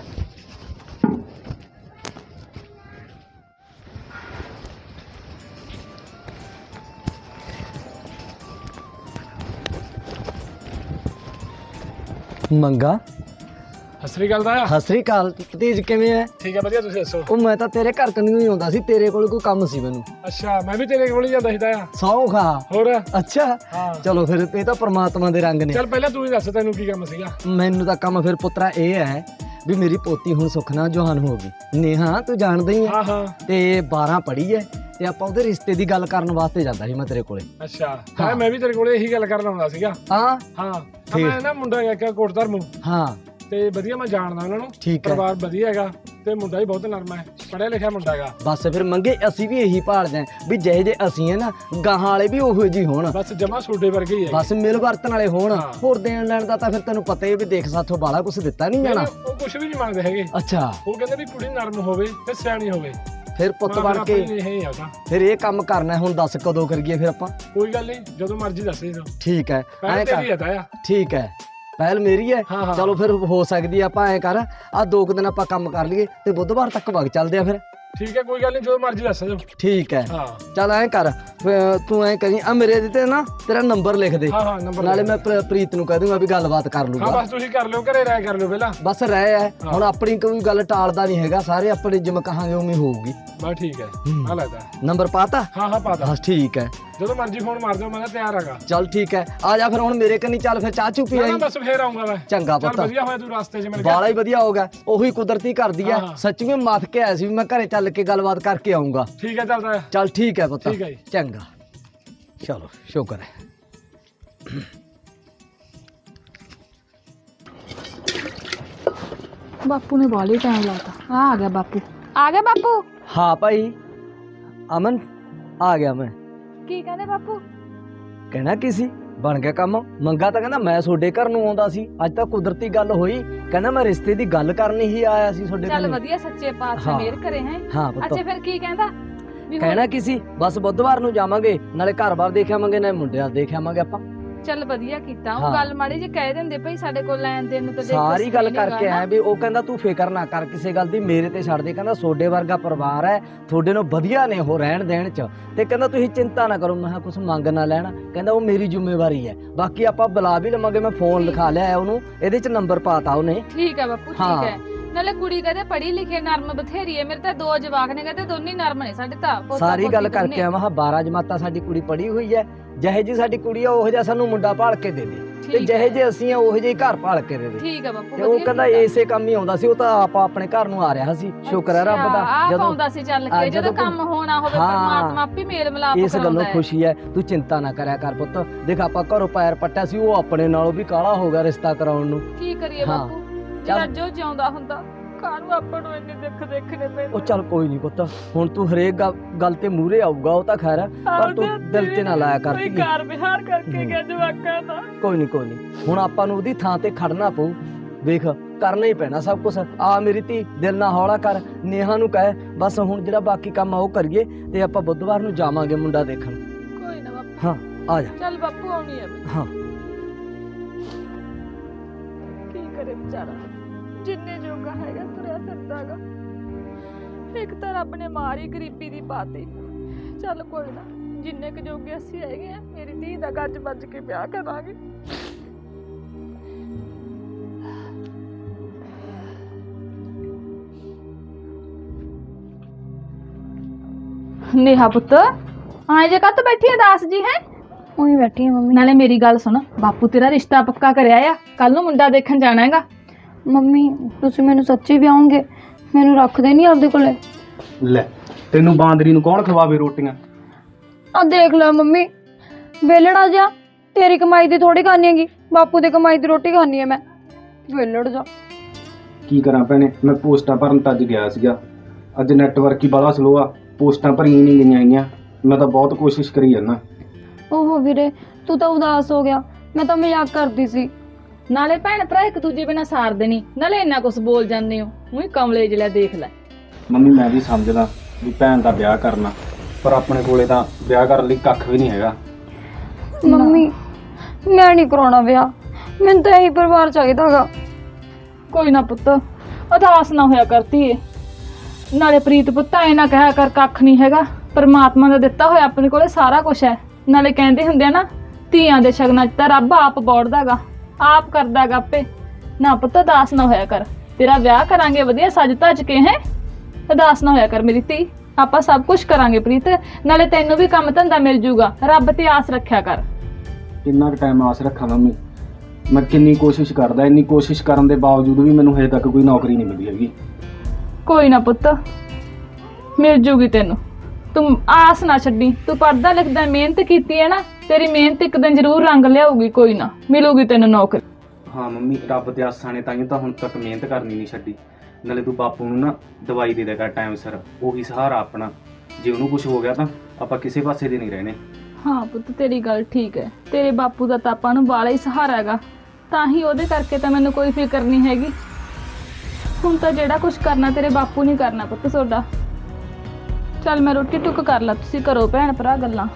Speaker 3: ਮੰਗਾ
Speaker 5: ਸਤਿ ਸ੍ਰੀ ਅਕਾਲ ਦਾ।
Speaker 3: ਸਤਿ ਸ੍ਰੀ ਅਕਾਲ। ਭਤੀਜ ਕਿਵੇਂ ਹੈ?
Speaker 5: ਠੀਕ ਹੈ ਵਧੀਆ, ਤੁਸੀਂ ਦੱਸੋ?
Speaker 3: ਉਹ ਮੈਂ ਤਾਂ ਤੇਰੇ ਘਰ ਕੰਨੀ ਹੀ ਆਉਂਦਾ ਸੀ, ਤੇਰੇ ਕੋਲ ਕੋਈ ਕੰਮ ਸੀ ਮੈਨੂੰ।
Speaker 5: ਅੱਛਾ, ਮੈਂ ਵੀ ਤੇਰੇ ਕੋਲ ਹੀ ਜਾਂਦਾ ਸੀ ਤਾਇਆ।
Speaker 3: ਸੌ ਖਾ।
Speaker 5: ਹੋਰ?
Speaker 3: ਅੱਛਾ
Speaker 5: ਹਾਂ
Speaker 3: ਚਲੋ ਫਿਰ, ਇਹ ਤਾਂ ਪ੍ਰਮਾਤਮਾ ਦੇ ਰੰਗ ਨੇ।
Speaker 5: ਚੱਲ ਪਹਿਲਾਂ ਤੂੰ ਹੀ ਦੱਸ, ਤੈਨੂੰ ਕੀ ਕੰਮ ਸੀਗਾ?
Speaker 3: ਮੈਨੂੰ ਤਾਂ ਕੰਮ ਫਿਰ ਪੁੱਤਰਾ ਇਹ ਹੈ ਵੀ ਮੇਰੀ ਪੋਤੀ ਹੁਣ ਸੁੱਖ ਨਾਲ ਜਵਾਨ ਹੋ ਗਈ। ਨੇਹਾ ਤੂੰ ਜਾਣਦਾ ਹੀ ਹੈ,
Speaker 5: ਹਾਂ ਹਾਂ।
Speaker 3: ਤੇ 12 ਪੜ੍ਹੀ ਹੈ, ਤੇ ਆਪਾਂ ਉਹਦੇ ਰਿਸ਼ਤੇ ਦੀ ਗੱਲ ਕਰਨ ਵਾਸਤੇ ਜਾਂਦਾ ਸੀ ਮੈਂ ਤੇਰੇ ਕੋਲੇ।
Speaker 5: ਅੱਛਾ ਤਾਇਆ, ਮੈਂ ਵੀ ਤੇਰੇ ਕੋਲ ਇਹੀ ਗੱਲ ਕਰਨ ਆਉਂਦਾ ਸੀਗਾ।
Speaker 3: ਹਾਂ
Speaker 5: ਹਾਂ
Speaker 3: ਠੀਕ।
Speaker 5: ਮੈਂ ਨਾ ਮੁੰਡਾ ਹੈਗਾ ਇੱਕ ਕੋਟ ਧਰਮੂ,
Speaker 3: ਹਾਂ
Speaker 5: ਤੇ ਵਧੀਆ ਮੈਂ ਜਾਣਦਾ ਉਹਨਾਂ ਨੂੰ।
Speaker 3: ਠੀਕ ਹੈ।
Speaker 5: ਪਰਿਵਾਰ ਵਧੀਆ ਹੈਗਾ, ਤੇ ਮੁੰਡਾ ਵੀ ਬਹੁਤ ਨਰਮ ਹੈ, ਪੜ੍ਹਿਆ ਲਿਖਿਆ ਮੁੰਡਾ ਹੈਗਾ।
Speaker 3: ਬਸ ਫਿਰ ਮੰਗੇ, ਅਸੀਂ ਵੀ ਇਹੀ ਭਾਲਦੇ ਆਂ ਵੀ ਜਿਹੇ ਜੇ ਅਸੀਂ ਹੈ ਨਾ, ਗਾਹਾਂ ਵਾਲੇ ਵੀ ਉਹੋ ਜਿਹੇ ਹੋਣ।
Speaker 5: ਬਸ ਜਮਾ ਸੋਡੇ ਵਰਗੇ ਹੀ ਹੈ।
Speaker 3: ਬਸ ਮਿਲ ਵਰਤਣ ਵਾਲੇ ਹੋਣ।
Speaker 5: ਹਾਂ।
Speaker 3: ਹੋਰ ਦੇਣ ਲੈਣ ਦਾ ਤਾਂ ਫਿਰ ਤੈਨੂੰ ਪਤਾ ਹੀ ਵੀ ਦੇਖ ਸਾਥੋਂ ਬਾਲਾ ਕੁਝ ਦਿੱਤਾ ਨਹੀਂ ਜਾਣਾ।
Speaker 5: ਉਹ ਕੁਝ ਵੀ ਨਹੀਂ ਮੰਗਦੇ ਹੈਗੇ।
Speaker 3: ਅੱਛਾ
Speaker 5: ਉਹ ਕਹਿੰਦੇ ਵੀ ਕੁੜੀ ਨਰਮ ਹੋਵੇ ਤੇ ਸਿਆਣੀ ਹੋਵੇ।
Speaker 3: ਫਿਰ ਪੁੱਤ ਬਣ ਕੇ
Speaker 5: ਇਹ ਆਉਂਦਾ।
Speaker 3: ਫਿਰ ਇਹ ਕੰਮ ਕਰਨਾ। ਹੁਣ ਦੱਸ ਕਦੋਂ ਕਰੀਏ ਫਿਰ ਆਪਾਂ?
Speaker 5: ਕੋਈ ਗੱਲ ਨਹੀਂ, ਜਦੋਂ ਮਰਜ਼ੀ ਦੱਸ ਦੇ।
Speaker 3: ਠੀਕ ਹੈ ਐਂ
Speaker 5: ਤੇਰੀ ਹੈ
Speaker 3: ਕਰ।
Speaker 5: ਤਾਇਆ।
Speaker 3: ਠੀਕ ਹੈ, ਪਹਿਲ ਮੇਰੀ ਹੈ।
Speaker 5: ਹਾਂ, ਹਾਂ।
Speaker 3: ਚਲੋ ਫਿਰ ਹੋ ਸਕਦੀ ਆ, ਆਪਾਂ ਐਂ ਕਰ, ਆ 2 ਦਿਨ ਆਪਾਂ ਕੰਮ ਕਰ ਲਈਏ ਤੇ ਬੁੱਧਵਾਰ ਤੱਕ ਵਗ ਚੱਲਦੇ ਆ ਫਿਰ।
Speaker 5: ਠੀਕ ਹੈ, ਕੋਈ ਗੱਲ ਨਹੀਂ, ਜਦੋਂ ਮਰਜ਼ੀ ਦੱਸ ਦਿਓ।
Speaker 3: ਠੀਕ ਹੈ
Speaker 5: ਹਾਂ
Speaker 3: ਚੱਲ ਐਂ ਕਰ, ਤੂੰ ਐਂ ਕਰੀ, ਆ ਮੇਰੇ ਤੇ ਨਾ ਤੇਰਾ ਨੰਬਰ ਲਿਖ ਦੇ।
Speaker 5: ਹਾਂ ਹਾਂ, ਨੰਬਰ
Speaker 3: ਨਾਲੇ ਮੈਂ ਪ੍ਰੀਤ ਨੂੰ ਕਹਿ ਦੂੰਗਾ ਵੀ ਗੱਲਬਾਤ ਕਰ
Speaker 5: ਹਾਂ
Speaker 3: ਲੂਗਾ।
Speaker 5: ਬਸ ਤੁਸੀਂ ਕਰ ਲਿਓ, ਘਰੇ ਰਾਇ ਕਰ ਲਿਓ ਪਹਿਲਾਂ।
Speaker 3: ਬਸ ਰਹਿ ਹੈ ਹੁਣ, ਆਪਣੀ ਕੋਈ ਗੱਲ ਟਾਲਦਾ ਨਹੀਂ ਹੈਗਾ, ਸਾਰੇ ਆਪਣੇ ਜਿਵੇਂ ਕਹਾਂਗੇ ਉਵੇਂ ਹੋਊਗੀ।
Speaker 5: ਬਸ ਠੀਕ ਹੈ, ਆ ਲੈਦਾ।
Speaker 3: ਨੰਬਰ ਪਾਤਾ?
Speaker 5: ਹਾਂ ਹਾਂ ਪਾਤਾ।
Speaker 3: ਬਸ ਠੀਕ ਹੈ,
Speaker 5: ਜਦੋਂ ਮਰਜ਼ੀ ਫੋਨ ਮਾਰ ਦਿਓ, ਮੈਂ ਤਾਂ ਤਿਆਰ ਹੈਗਾ।
Speaker 3: ਚੱਲ ਠੀਕ ਹੈ, ਆ ਜਾ ਫਿਰ ਹੁਣ ਮੇਰੇ ਕੰਨੀ। ਚੱਲ ਫਿਰ ਚਾਹ ਚੂ ਪੀ
Speaker 5: ਨਾ
Speaker 3: ਆਈ।
Speaker 5: ਬਸ ਫੇਰ ਆਉਂਗਾ ਮੈਂ।
Speaker 3: ਚੰਗਾ
Speaker 5: ਚੱਲ
Speaker 3: ਪੁੱਤ,
Speaker 5: ਵਧੀਆ ਹੋਇਆ ਤੂੰ ਰਸਤੇ 'ਚ ਮਿਲ ਗਿਆ।
Speaker 3: ਬਾਲਾ ਹੀ ਵਧੀਆ ਹੋ ਗਿਆ। ਉਹੀ ਕੁਦਰਤੀ ਕਰਦੀ ਹੈ,
Speaker 5: ਹਾਂ।
Speaker 3: ਸੱਚੀਓ ਮੱਥ ਕੇ ਆਇਆ ਸੀ ਵੀ ਮੈਂ ਘਰੇ ਚੱਲ ਕੇ ਗੱਲਬਾਤ ਕਰਕੇ ਆਉਂਗਾ।
Speaker 5: ਠੀਕ ਹੈ, ਚੱਲਦਾ।
Speaker 3: ਚੱਲ ਠੀਕ ਹੈ ਪੁੱਤ।
Speaker 5: ਠੀਕ ਹੈ ਜੀ।
Speaker 3: ਚੰਗਾ, ਚਲੋ ਸ਼ੁਕਰ ਹੈ।
Speaker 1: ਬਾਪੂ ਨੇ ਬਾਲੀ ਟਾਈਮ ਲਾਤਾ। ਆ ਗਿਆ ਬਾਪੂ। ਆ ਗਿਆ ਬਾਪੂ।
Speaker 3: ਹਾਂ ਭਾਈ ਅਮਨ, ਆ ਗਿਆ ਮੈਂ।
Speaker 1: ਕੀ ਕਹਿੰਦੇ ਬਾਪੂ?
Speaker 3: ਕਹਿਣਾ ਕੀ ਸੀ, ਬਣ ਗਿਆ ਕੰਮ। ਮੰਗਾ ਤਾਂ ਕਹਿੰਦਾ ਮੈਂ ਤੁਹਾਡੇ ਘਰ ਨੂੰ ਆਉਂਦਾ ਸੀ, ਅੱਜ ਤਾਂ ਕੁਦਰਤੀ ਗੱਲ ਹੋਈ। ਕਹਿੰਦਾ ਮੈਂ ਰਿਸ਼ਤੇ ਦੀ ਗੱਲ ਕਰਨੀ ਹੀ ਆਇਆ ਸੀ ਤੁਹਾਡੇ
Speaker 1: ਚੱਲ
Speaker 3: ਘਰ।
Speaker 1: ਵਧੀਆ, ਸੱਚੇ ਪਾਤਸ਼ਾਹ
Speaker 3: ਹਾਂ।
Speaker 1: ਮਿਹਰ ਕਰੇ ਹੈ।
Speaker 3: ਹਾਂ ਪੁੱਤ।
Speaker 1: ਅੱਛਾ ਫਿਰ ਕੀ ਕਹਿੰਦਾ? ਵੀ ਹੁਣ-
Speaker 3: ਕਹਿਣਾ ਕੀ ਸੀ, ਬਸ ਬੁੱਧਵਾਰ ਨੂੰ ਜਾਵਾਂਗੇ, ਨਾਲੇ ਘਰ-ਬਾਰ ਦੇਖ ਆਵਾਂਗੇ, ਨਾਲੇ ਮੁੰਡਿਆਂ ਦੇਖ ਆਵਾਂਗੇ ਆਪਾਂ।
Speaker 1: ਚੱਲ ਵਧੀਆ ਕੀਤਾ। ਉਹ
Speaker 3: ਹਾਂ।
Speaker 1: ਗੱਲ ਮਾੜੀ ਜੀ ਕਹਿ ਦਿੰਦੇ ਭਈ ਸਾਡੇ ਕੋਲ ਲੈਣ ਦੇਣ ਨੂੰ ਤਾਂ ਦੇਖ
Speaker 3: ਸਾਰੀ ਗੱਲ
Speaker 1: ਕੁਛ ਨਹੀਂ
Speaker 3: ਕਰਕੇ
Speaker 1: ਹੈਗਾ
Speaker 3: ਆਇਆ ਵੀ ਉਹ ਕਹਿੰਦਾ ਤੂੰ ਫਿਕਰ ਨਾ ਕਰ ਕਿਸੇ ਗੱਲ ਦੀ, ਮੇਰੇ ਤੇ ਛੱਡ ਦੇ। ਕਹਿੰਦਾ ਸੋਡੇ ਵਰਗਾ ਪਰਿਵਾਰ ਹੈ, ਤੁਹਾਡੇ ਨੂੰ ਵਧੀਆ ਨੇ ਉਹ ਰਹਿਣ ਦੇਣ ਚ, ਤੇ ਕਹਿੰਦਾ ਤੁਸੀਂ ਚਿੰਤਾ ਨਾ ਕਰੋ। ਮੈਂ ਕਿਹਾ ਕੁਛ ਮੰਗ ਨਾ ਲੈਣਾ। ਕਹਿੰਦਾ ਉਹ ਮੇਰੀ ਜ਼ਿੰਮੇਵਾਰੀ ਹੈ, ਬਾਕੀ ਆਪਾਂ ਬੁਲਾ ਵੀ ਲਵਾਂਗੇ। ਮੈਂ ਫੋਨ ਲਿਖਾ ਲਿਆ ਉਹਨੂੰ, ਇਹਦੇ ਚ ਨੰਬਰ ਪਾਤਾ ਉਹਨੇ।
Speaker 1: ਠੀਕ ਹੈ ਬਾਪੂ,
Speaker 3: ਹਾਂ।
Speaker 1: ਠੀਕ ਹੈ। ਨਾਲੇ ਕੁੜੀ ਕਹਿੰਦੇ ਪੜ੍ਹੀ ਲਿਖੀ ਨਰਮ ਬਥੇਰੀ ਹੈ। ਮੇਰੇ ਤਾਂ 2 ਜਵਾਕ ਨੇ, ਕਹਿੰਦੇ ਦੋਨੇ ਨਰਮ ਨੇ ਸਾਡੇ ਤਾਂ। ਪੋਤਾ
Speaker 3: ਸਾਰੀ
Speaker 1: ਪੋਤੀ
Speaker 3: ਗੱਲ
Speaker 1: ਦੋਨੇ।
Speaker 3: ਕਰਕੇ ਆ। ਮੈਂ ਕਿਹਾ 12 ਜਮਾਤਾਂ ਸਾਡੀ ਕੁੜੀ ਪੜ੍ਹੀ ਹੋਈ ਹੈ, ਜਿਹੇ ਜੀ ਸਾਡੀ ਕੁੜੀ ਆ ਉਹੋ ਜਿਹਾ ਸਾਨੂੰ ਮੁੰਡਾ ਭਾਲ ਕੇ ਦੇ ਦੇ, ਤੇ
Speaker 1: ਠੀਕ
Speaker 3: ਜਿਹੇ
Speaker 1: ਹੈ।
Speaker 3: ਜੇ ਅਸੀਂ ਆ ਉਹੋ ਜਿਹੇ ਘਰ ਭਾਲ ਕੇ ਦੇ ਦੇ।
Speaker 1: ਠੀਕ ਹੈ ਬਾਪੂ,
Speaker 3: ਤੇ ਉਹ
Speaker 1: ਵਧੀਆ
Speaker 3: ਕਹਿੰਦਾ
Speaker 1: ਕੀਤਾ।
Speaker 3: ਇਸੇ ਕੰਮ ਹੀ ਆਉਂਦਾ ਸੀ। ਉਹ ਤਾਂ ਆਪਾਂ ਆਪਣੇ ਘਰ ਨੂੰ ਆ ਰਿਹਾ ਸੀ, ਸ਼ੁਕਰ ਹੈ ਰੱਬ ਦਾ।
Speaker 1: ਆਪ ਆਉਂਦਾ ਸੀ ਚੱਲ ਕੇ, ਜਦੋਂ ਕੰਮ ਹੋਣਾ ਹੋਵੇ
Speaker 3: ਹਾਂ।
Speaker 1: ਪਰਮਾਤਮਾ ਆਪੇ ਮੇਲ ਮਿਲਾਪ
Speaker 3: ਇਸ
Speaker 1: ਕਰਾਉਂਦਾ
Speaker 3: ਗੱਲੋਂ
Speaker 1: ਹੈ।
Speaker 3: ਖੁਸ਼ੀ ਹੈ, ਤੂੰ ਚਿੰਤਾ ਨਾ ਕਰਿਆ ਕਰ ਪੁੱਤ। ਦੇਖ ਆਪਾਂ ਘਰੋਂ ਪੈਰ ਪੱਟਿਆ ਸੀ, ਉਹ ਆਪਣੇ ਨਾਲੋਂ ਵੀ ਕਾਲਾ ਹੋ ਗਿਆ ਰਿਸ਼ਤਾ ਕਰਾਉਣ ਨੂੰ।
Speaker 1: ਕੀ ਕਰੀਏ
Speaker 3: ਹਾਂ।
Speaker 1: ਬਾਪੂ, ਜਿਹੜਾ ਜੋ ਜਿਉਂਦਾ ਹੁੰਦਾ, ਕਾਹਨੂੰ ਆਪਾਂ ਨੂੰ ਇੰਨੇ ਦੁੱਖ ਦੇਖਣੇ ਪੈਂਦੇ।
Speaker 3: ਉਹ ਚੱਲ ਕੋਈ ਨਹੀਂ ਪੁੱਤ, ਹੁਣ ਤੂੰ ਹਰੇਕ ਗੱਲ ਤੇ ਮੂਹਰੇ ਆਊਗਾ, ਉਹ ਤਾਂ ਖੈਰ ਹੈ, ਪਰ ਤੂੰ ਦਿਲ ਤੇ ਨਾ ਲਾਇਆ ਕਰ।
Speaker 1: ਕੋਈ ਕਾਰ ਵਿਹਾਰ ਕਰਕੇ ਗਿਆ ਜਵਾਕਾਂ ਦਾ।
Speaker 3: ਕੋਈ ਨਹੀਂ, ਹੁਣ ਆਪਾਂ ਨੂੰ ਉਹਦੀ ਥਾਂ ਤੇ ਖੜਨਾ ਪਊ। ਵੇਖ ਕਰਨਾ ਹੀ ਪੈਣਾ ਸਭ ਕੁਝ। ਆ ਮੇਰੀ ਧੀ, ਦਿਲ ਨਾ ਹੌਲਾ ਕਰ, ਨੇਹਾ ਨੂੰ ਕਹਿ ਬਸ ਹੁਣ ਜਿਹੜਾ ਬਾਕੀ ਕੰਮ ਆ ਉਹ ਕਰੀਏ, ਤੇ ਆਪਾਂ ਬੁੱਧਵਾਰ ਨੂੰ ਜਾਵਾਂਗੇ ਮੁੰਡਾ ਦੇਖਣ।
Speaker 1: ਕੋਈ ਨਾ ਬਾਪੂ।
Speaker 3: ਹਾਂ ਆ ਜਾ।
Speaker 1: ਚੱਲ ਬਾਪੂ, ਆਉਣੀ ਹੈ।
Speaker 3: ਹਾਂ
Speaker 1: ਕੀ ਕਰੇ ਵਿਚਾਰਾ, ਜਿੰਨੇ ਜੋਗਾ ਹੈਗਾ ਤੁਰਿਆ ਫਿਰਦਾਗਾ। ਇੱਕ ਤਾਂ ਰੱਬ ਨੇ ਮਾਰ ਹੀ ਗਰੀਬੀ ਦੀ ਪਾਤੀ। ਚੱਲ ਕੋਈ ਨਾ, ਜਿੰਨੇ ਕੁ ਜੋਗੇ ਅਸੀਂ ਹੈਗੇ ਆ, ਮੇਰੀ ਧੀ ਦਾ ਗੱਜ ਵੱਜ ਕੇ ਵਿਆਹ ਕਰਾਂਗੇ। ਨੇਹਾ ਪੁੱਤ, ਆਏ ਜੇ ਕੱਤ ਬੈਠੀ ਆ ਦਾਸ ਜੀ ਹੈ?
Speaker 2: ਉਹੀ ਬੈਠੀ ਆ ਮੰਮੀ।
Speaker 1: ਨਾਲੇ ਮੇਰੀ ਗੱਲ ਸੁਣ, ਬਾਪੂ ਤੇਰਾ ਰਿਸ਼ਤਾ ਪੱਕਾ ਕਰਿਆ ਆ, ਕੱਲ ਨੂੰ ਮੁੰਡਾ ਦੇਖਣ ਜਾਣਾ ਹੈਗਾ।
Speaker 2: ਮੰਮੀ ਤੁਸੀਂ ਮੈਨੂੰ ਸੱਚੀ ਵਿਆਹੋਗੇ? ਮੈਨੂੰ ਰੱਖਦੇ ਨਹੀਂ ਆਪਦੇ ਕੋਲੇ?
Speaker 4: ਲੈ ਤੈਨੂੰ ਬਾਂਦਰੀ ਨੂੰ ਕੌਣ ਖਵਾਵੇ ਰੋਟੀਆਂ?
Speaker 2: ਆ ਦੇਖ ਲੈ ਮੰਮੀ, ਵੇਲੜਾ ਜਾ, ਤੇਰੀ ਕਮਾਈ ਦੀ ਥੋੜੀ ਖਾਣੀ ਹੈਗੀ, ਬਾਪੂ ਦੀ ਕਮਾਈ ਦੀ ਰੋਟੀ ਖਾਣੀ ਹੈ ਮੈਂ। ਵੇਲੜ ਜਾ।
Speaker 4: ਕੀ ਕਰਾਂ ਭੈਣੇ, ਮੈਂ ਪੋਸਟਾਂ ਭਰਨ ਤਾਂ ਅੱਜ ਗਿਆ ਸੀਗਾ। ਅੱਜ ਨੈਟਵਰਕ ਹੀ ਬੜਾ ਸਲੋ ਆ, ਪੋਸਟਾਂ ਭਰੀਆਂ ਨਹੀਂ ਗਈਆਂ ਹੈਗੀਆਂ। ਮੈਂ ਤਾਂ ਬਹੁਤ ਕੋਸ਼ਿਸ਼ ਕਰੀ ਜਾਂਦਾ।
Speaker 2: ਓਹੋ ਵੀਰੇ, ਤੂੰ ਤਾਂ ਉਦਾਸ ਹੋ ਗਿਆ, ਮੈਂ ਤਾਂ ਮਜ਼ਾਕ ਕਰਦੀ ਸੀ।
Speaker 1: ਨਾਲੇ ਭੈਣ ਭਰਾ ਇੱਕ ਦੂਜੇ ਬਿਨਾਂ ਸਾਰਦੇ ਨਹੀਂ, ਨਾਲੇ ਇੰਨਾ ਕੁਝ ਬੋਲ ਜਾਂਦੇ ਹੋ। ਉਹੀ ਕਮਲੇ ਜਿਹਾ ਦੇਖ ਲੈ।
Speaker 4: ਮੰਮੀ ਮੈਂ ਵੀ ਸਮਝਦਾ ਵੀ ਭੈਣ ਦਾ ਵਿਆਹ ਕਰਨਾ, ਪਰ ਆਪਣੇ ਕੋਲੇ ਤਾਂ ਵਿਆਹ ਕਰਨ ਲਈ ਕੱਖ ਵੀ ਨਹੀਂ ਹੈਗਾ।
Speaker 2: ਮੰਮੀ ਮੈਂ ਨਹੀਂ ਕਰਾਉਣਾ ਵਿਆਹ, ਮੈਨੂੰ ਤਾਂ ਇਹੀ ਪਰਿਵਾਰ ਚਾਹੀਦਾਗਾ।
Speaker 1: ਕੋਈ ਨਾ ਪੁੱਤ, ਉਦਾਸ ਨਾ ਹੋਇਆ ਕਰਤੀ ਏ। ਨਾਲੇ ਪ੍ਰੀਤ ਪੁੱਤ ਐ ਨਾ ਕਹਿਆ ਕਰ ਕੱਖ ਨਹੀਂ ਹੈਗਾ, ਪਰਮਾਤਮਾ ਦਾ ਦਿੱਤਾ ਹੋਇਆ ਆਪਣੇ ਕੋਲੇ ਸਾਰਾ ਕੁਝ ਹੈ। ਨਾਲੇ ਕਹਿੰਦੇ ਹੁੰਦੇ ਆ ਨਾ, ਧੀਆਂ ਦੇ ਸ਼ਗਨਾਂ 'ਚ ਤਾਂ ਰੱਬ ਆਪ ਬੋੜਦਾਗਾ, ਆਪ ਕਰਦਾਗਾ ਆਪੇ। ਨਾ ਪੁੱਤ ਉਦਾਸ ਨਾ ਹੋਇਆ ਕਰ, ਤੇਰਾ ਵਿਆਹ ਕਰਾਂਗੇ ਵਧੀਆ ਸੱਜ ਧੱਜ ਕੇ। ਹੈ ਉਦਾਸ ਨਾ ਹੋਇਆ ਕਰ ਮੇਰੀ ਧੀ, ਆਪਾਂ ਸਭ ਕੁਝ ਕਰਾਂਗੇ ਪ੍ਰੀਤ। ਨਾਲੇ ਤੈਨੂੰ ਵੀ ਕੰਮ ਧੰਦਾ ਮਿਲ ਜੂਗਾ, ਰੱਬ ਤੇ ਆਸ ਰੱਖਿਆ ਕਰ।
Speaker 4: ਕਿੰਨਾ ਕੁ ਟਾਈਮ ਆਸ ਰੱਖਾਂ ਮੰਮੀ, ਮੈਂ ਕਿੰਨੀ ਕੋਸ਼ਿਸ਼ ਕਰਦਾ, ਇੰਨੀ ਕੋਸ਼ਿਸ਼ ਕਰਨ ਦੇ ਬਾਵਜੂਦ ਵੀ ਮੈਨੂੰ ਹਜੇ ਤੱਕ ਕੋਈ ਨੌਕਰੀ ਨਹੀਂ ਮਿਲੀ ਹੈਗੀ।
Speaker 1: ਕੋਈ ਨਾ ਪੁੱਤ, ਮਿਲ ਜੂਗੀ ਤੈਨੂੰ, ਤੂੰ ਆਸ ਨਾ ਛੱਡੀ। ਤੂੰ ਪੜ੍ਹਦਾ ਲਿਖਦਾ ਮਿਹਨਤ ਕੀਤੀ ਹੈ ਨਾ, ਤੇਰੀ ਮਿਹਨਤ ਇੱਕ ਦਿਨ ਜ਼ਰੂਰ ਰੰਗ ਲਿਆਊਗੀ। ਕੋਈ ਨਾ, ਮਿਲੂਗੀ ਤੈਨੂੰ ਨੌਕਰੀ।
Speaker 4: ਹਾਂ ਮੰਮੀ, ਰੱਬ ਦੇ ਆਸਾਂ ਨੇ ਤਾਂ ਹੀ ਤਾਂ ਹੁਣ ਤੱਕ ਮਿਹਨਤ ਕਰਨੀ ਨਹੀਂ ਛੱਡੀ। ਨਾਲੇ ਤੂੰ ਬਾਪੂ ਨੂੰ ਨਾ ਦਵਾਈ ਦੇ ਦੇਗਾ ਟਾਈਮ ਸਿਰ, ਉਹੀ ਸਹਾਰਾ ਆਪਣਾ। ਜੇ ਉਹਨੂੰ ਕੁਝ ਹੋ ਗਿਆ ਤਾਂ ਆਪਾਂ ਕਿਸੇ ਪਾਸੇ ਦੇ ਨਹੀਂ ਰਹਿਣੇ।
Speaker 1: ਹਾਂ ਪੁੱਤ, ਤੇਰੀ ਗੱਲ ਠੀਕ ਹੈ। ਤੇਰੇ ਬਾਪੂ ਦਾ ਤਾਂ ਆਪਾਂ ਨੂੰ ਬਾਲਾ ਹੀ ਸਹਾਰਾ ਹੈਗਾ, ਤਾਂ ਹੀ ਉਹਦੇ ਕਰਕੇ ਤਾਂ ਮੈਨੂੰ ਕੋਈ ਫਿਕਰ ਨਹੀਂ ਹੈਗੀ। ਹੁਣ ਤਾਂ ਜਿਹੜਾ ਕੁਝ ਕਰਨਾ ਤੇਰੇ ਬਾਪੂ ਨਹੀਂ ਕਰਨਾ ਪੁੱਤ ਤੁਹਾਡਾ। ਚੱਲ ਮੈਂ ਰੋਟੀ ਟੁੱਕ ਕਰ ਲਾ, ਤੁਸੀਂ ਕਰੋ ਭੈਣ ਭਰਾ ਗੱਲਾਂ।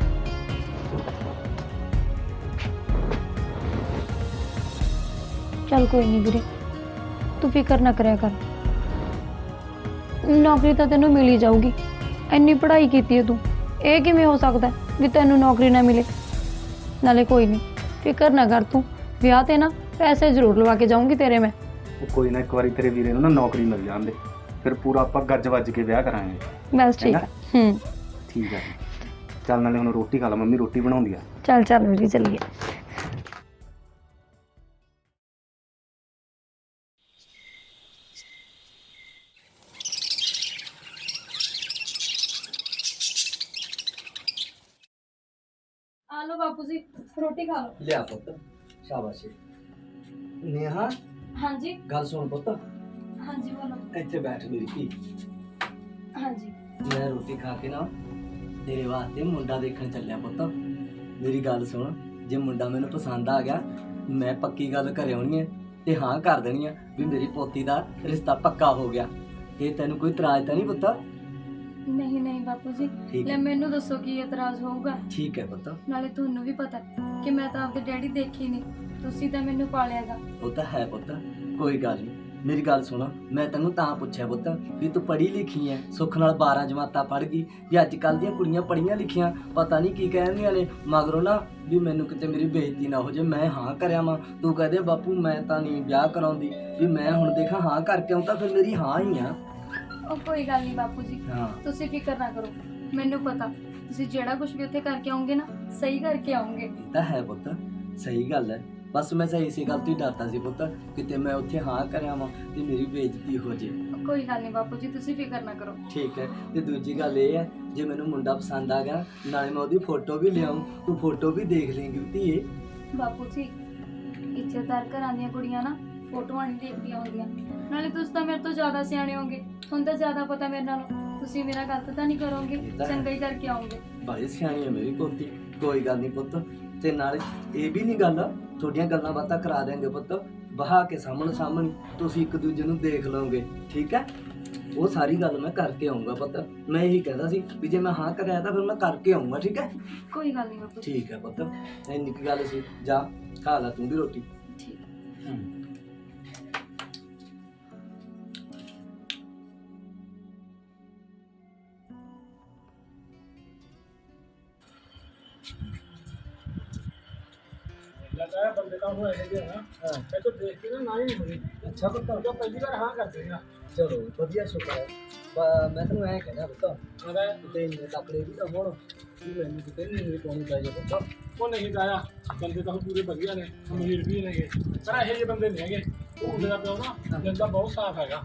Speaker 2: ਚੱਲ ਕੋਈ ਨਹੀਂ ਵੀਰੇ, ਤੂੰ ਫਿਕਰ ਨਾ ਕਰਿਆ ਕਰ, ਨੌਕਰੀ ਤਾਂ ਤੈਨੂੰ ਮਿਲ ਹੀ ਜਾਊਗੀ। ਇੰਨੀ ਪੜ੍ਹਾਈ ਕੀਤੀ ਹੈ ਤੂੰ, ਇਹ ਕਿਵੇਂ ਹੋ ਸਕਦਾ ਵੀ ਤੈਨੂੰ ਨੌਕਰੀ ਨਾ ਮਿਲੇ। ਨਾਲੇ ਕੋਈ ਨਹੀਂ, ਫਿਕਰ ਨਾ ਕਰ ਤੂੰ, ਵਿਆਹ ਤੇ ਨਾ ਪੈਸੇ ਜ਼ਰੂਰ ਲਵਾ ਕੇ ਜਾਊਂਗੀ ਤੇਰੇ ਮੈਂ।
Speaker 4: ਉਹ ਕੋਈ ਨਾ, ਇੱਕ ਵਾਰੀ ਤੇਰੇ ਵੀਰੇ ਨੂੰ ਨਾ ਨੌਕਰੀ ਮਿਲ ਜਾਂਦੇ, ਫਿਰ ਪੂਰਾ ਆਪਾਂ ਗੱਜ ਵੱਜ ਕੇ ਵਿਆਹ ਕਰਾਂਗੇ।
Speaker 2: ਬਸ ਠੀਕ ਹੈ।
Speaker 4: ਠੀਕ ਹੈ, ਚੱਲ ਨਾਲੇ ਹੁਣ ਰੋਟੀ ਖਾ ਲਾ, ਮੰਮੀ ਰੋਟੀ ਬਣਾਉਂਦੀ ਆ।
Speaker 2: ਚੱਲ ਚੱਲ ਵੀਰੇ ਚੱਲੀਏ। ਆ ਲੋ ਬਾਪੂ ਜੀ, ਰੋਟੀ ਖਾ ਲਓ।
Speaker 3: ਲਿਆ ਪੁੱਤ, ਸ਼ਾਬਾਸ਼। ਨੇਹਾ
Speaker 2: ਹਾਂਜੀ
Speaker 3: ਗੱਲ ਸੁਣ ਪੁੱਤ,
Speaker 2: ਹਾਂਜੀ ਬੋਲੋ।
Speaker 3: ਇੱਥੇ ਬੈਠ ਮੇਰੀ ਧੀ।
Speaker 2: ਹਾਂਜੀ
Speaker 3: ਮੈਂ ਰੋਟੀ ਖਾ ਕੇ ਨਾ ਤੇਰੇ ਵਾਸਤੇ ਮੁੰਡਾ ਦੇਖਣ ਚੱਲਿਆ ਪੁੱਤ। ਮੇਰੀ ਗੱਲ ਸੁਣ, ਜੇ ਮੁੰਡਾ ਮੈਨੂੰ ਪਸੰਦ ਆ ਗਿਆ, ਮੈਂ ਪੱਕੀ ਗੱਲ ਘਰੇ ਆਉਣੀ ਹੈ ਤੇ ਹਾਂ ਕਰ ਦੇਣੀ ਆ ਵੀ ਮੇਰੀ ਪੋਤੀ ਦਾ ਰਿਸ਼ਤਾ ਪੱਕਾ ਹੋ ਗਿਆ। ਇਹ ਤੈਨੂੰ ਕੋਈ ਇਤਰਾਜ਼ ਤਾਂ ਨਹੀਂ ਪੁੱਤ?
Speaker 2: ਨਹੀਂ ਨਹੀਂ ਬਾਪੂ ਜੀ,
Speaker 3: ਠੀਕ
Speaker 2: ਲੈ
Speaker 3: ਹੈ,
Speaker 2: ਮੈਨੂੰ ਦੱਸੋ ਕੀ ਇਤਰਾਜ਼ ਹੋਊਗਾ।
Speaker 3: ਠੀਕ ਹੈ ਪੁੱਤ।
Speaker 2: ਨਾਲੇ ਤੁਹਾਨੂੰ ਵੀ ਪਤਾ ਕਿ ਮੈਂ ਤਾਂ ਆਪਦੇ ਡੈਡੀ ਦੇਖੀ ਨਹੀਂ, ਤੁਸੀਂ ਤਾਂ ਮੈਨੂੰ ਪਾਲਿਆਗਾ।
Speaker 3: ਉਹ ਤਾਂ ਹੈ ਪੁੱਤ, ਕੋਈ ਗੱਲ ਨਹੀਂ। ਮੇਰੀ ਗੱਲ ਸੁਣ, ਮੈਂ ਤੈਨੂੰ ਤਾਂ ਪੁੱਛਿਆ ਪੁੱਤ ਵੀ ਤੂੰ ਪੜ੍ਹੀ ਲਿਖੀ ਐ, ਸੁੱਖ ਨਾਲ 12 ਜਮਾਤਾਂ ਪੜ੍ਹ ਗਈ। ਵੀ ਅੱਜ ਕੱਲ੍ਹ ਦੀਆਂ ਕੁੜੀਆਂ ਪੜ੍ਹੀਆਂ ਲਿਖੀਆਂ ਪਤਾ ਨਹੀਂ ਕੀ ਕਹਿੰਦੀਆਂ ਨੇ, ਮਗਰੋਂ ਨਾ ਵੀ ਮੈਨੂੰ ਕਿਤੇ ਮੇਰੀ ਬੇਇੱਜ਼ਤੀ ਨਾ ਹੋ ਜੇ। ਮੈਂ ਹਾਂ ਕਰਿਆ ਵਾਂ, ਤੂੰ ਕਹਦੇ ਬਾਪੂ ਮੈਂ ਤਾਂ ਨਹੀਂ ਵਿਆਹ ਕਰਾਉਂਦੀ, ਵੀ ਮੈਂ ਹੁਣ ਦੇਖਾਂ ਹਾਂ ਕਰਕੇ ਆਉਂ ਤਾਂ ਫਿਰ ਮੇਰੀ ਹਾਂ ਹੀ ਆ।
Speaker 2: ਉਹ ਕੋਈ ਗੱਲ ਨਹੀਂ ਬਾਪੂ ਜੀ,
Speaker 3: ਹਾਂ
Speaker 2: ਤੁਸੀਂ ਫਿਕਰ ਨਾ ਕਰੋ, ਮੈਨੂੰ ਪਤਾ ਤੁਸੀਂ ਜਿਹੜਾ ਕੁਝ ਵੀ ਉੱਥੇ ਕਰਕੇ ਆਉਂਗੇ ਨਾ, ਸਹੀ ਕਰਕੇ ਆਉਂਗੇ।
Speaker 3: ਇਹ ਤਾਂ ਹੈ ਪੁੱਤ, ਸਹੀ ਗੱਲ ਹੈ। ਬਸ ਮੈਂ ਸਹੀ ਇਸੇ ਗੱਲ ਤੋਂ ਹੀ ਡਰਦਾ ਸੀ ਪੁੱਤ, ਕਿਤੇ ਮੈਂ ਉੱਥੇ ਹਾਂ ਕਰਿਆ ਵਾਂ ਤੇ ਮੇਰੀ ਬੇਇੱਜ਼ਤੀ ਹੋ ਜੇ।
Speaker 2: ਕੋਈ ਗੱਲ ਨਹੀਂ ਬਾਪੂ ਜੀ, ਤੁਸੀਂ ਫਿਕਰ ਨਾ ਕਰੋ।
Speaker 3: ਠੀਕ ਹੈ, ਤੇ ਦੂਜੀ ਗੱਲ ਇਹ ਹੈ, ਜੇ ਮੈਨੂੰ ਮੁੰਡਾ ਪਸੰਦ ਆ ਗਿਆ, ਨਾਲੇ ਮੈਂ ਉਹਦੀ ਫੋਟੋ ਵੀ ਲਿਆਉਂ, ਤੂੰ ਫੋਟੋ ਵੀ ਦੇਖ ਲੇਂਗੀ ਧੀਏ।
Speaker 2: ਬਾਪੂ ਜੀ, ਇੱਜ਼ਤਦਾਰ ਘਰਾਂ ਦੀਆਂ ਕੁੜੀਆਂ ਨਾ ਫੋਟੋਆਂ ਨਹੀਂ ਦੇਖਦੀਆਂ ਹੁੰਦੀਆਂ। ਨਾਲੇ ਤੁਸੀਂ ਤਾਂ ਮੇਰੇ ਤੋਂ ਜ਼ਿਆਦਾ ਸਿਆਣੇ ਹੋਗੇ, ਹੁਣ ਤਾਂ ਜ਼ਿਆਦਾ ਪਤਾ ਮੇਰੇ ਨਾਲੋਂ। ਤੁਸੀਂ ਮੇਰਾ ਗਲਤ ਤਾਂ ਨਹੀਂ ਕਰੋਗੇ, ਚੰਗਾ ਹੀ ਕਰਕੇ ਆਉਂਗੇ।
Speaker 3: ਬੜੀ ਸਿਆਣੀ ਹੈ ਮੇਰੀ ਪੋਤੀ, ਕੋਈ ਗੱਲ ਨਹੀਂ ਪੁੱਤ। ਤੇ ਨਾਲੇ ਇਹ ਵੀ ਨਹੀਂ ਗੱਲ, ਤੁਹਾਡੀਆਂ ਗੱਲਾਂ ਬਾਤਾਂ ਕਰਾ ਦੇਂਗੇ ਪੁੱਤ, ਬਹਾ ਕੇ ਸਾਹਮਣੇ ਤੁਸੀਂ ਇੱਕ ਦੂਜੇ ਨੂੰ ਦੇਖ ਲਓਗੇ। ਠੀਕ ਹੈ, ਉਹ ਸਾਰੀ ਗੱਲ ਮੈਂ ਕਰਕੇ ਆਉਂਗਾ ਪੁੱਤ। ਮੈਂ ਇਹੀ ਕਹਿੰਦਾ ਸੀ ਵੀ ਜੇ ਮੈਂ ਹਾਂ ਕਰਿਆ ਤਾਂ ਫਿਰ ਮੈਂ ਕਰਕੇ ਆਉਂਗਾ। ਠੀਕ ਹੈ,
Speaker 2: ਕੋਈ ਗੱਲ ਨਹੀਂ ਬਾਪੂ ਜੀ।
Speaker 3: ਠੀਕ ਹੈ ਪੁੱਤ, ਇੰਨੀ ਕੁ ਗੱਲ ਸੀ। ਜਾ ਖਾ ਲੈ ਤੂੰ ਵੀ ਰੋਟੀ।
Speaker 2: ਠੀਕ ਹੈ।
Speaker 5: ਲੱਗਦਾ ਹੈ ਬੰਦੇ ਤਾਂ ਹੋਏ ਹੈਗੇ ਨਾ। ਹਾਂ, ਮੈਂ ਤਾਂ ਦੇਖ ਕੇ ਨਾ ਹੀ ਨਹੀਂ ਹੋਈ।
Speaker 3: ਅੱਛਾ ਪੁੱਤ,
Speaker 5: ਤਾਂ ਪਹਿਲੀ ਵਾਰ ਹਾਂ ਕਰਦੇ ਨਾ।
Speaker 3: ਚਲੋ ਵਧੀਆ, ਸ਼ੁਕਰ ਹੈ। ਮੈਂ ਤੈਨੂੰ ਐਂ ਕਹਿਣਾ ਪੁੱਤ,
Speaker 5: ਉਹਦਾ
Speaker 3: ਕਿਤੇ ਇੰਨੇ ਤਕੜੇ ਵੀ ਤਾਂ ਹੋਣ ਵੀ ਮੈਨੂੰ ਕਿਤੇ ਨਹੀਂ ਪਾਉਣੀ ਚਾਹੀਦੀ ਪੁੱਤ।
Speaker 5: ਉਹ ਨਹੀਂ ਤਾਇਆ, ਬੰਦੇ ਤਾਂ ਪੂਰੇ ਵਧੀਆ ਨੇ, ਅਮੀਰ ਵੀ ਨੇਗੇ, ਪਰ ਇਹੋ ਜਿਹੇ ਬੰਦੇ ਨਹੀਂ ਹੈਗੇ। ਉਹ ਮੁੰਡੇ ਦਾ ਪਿਓ ਨਾ ਦਿਲ ਦਾ ਬਹੁਤ ਸਾਫ਼ ਹੈਗਾ।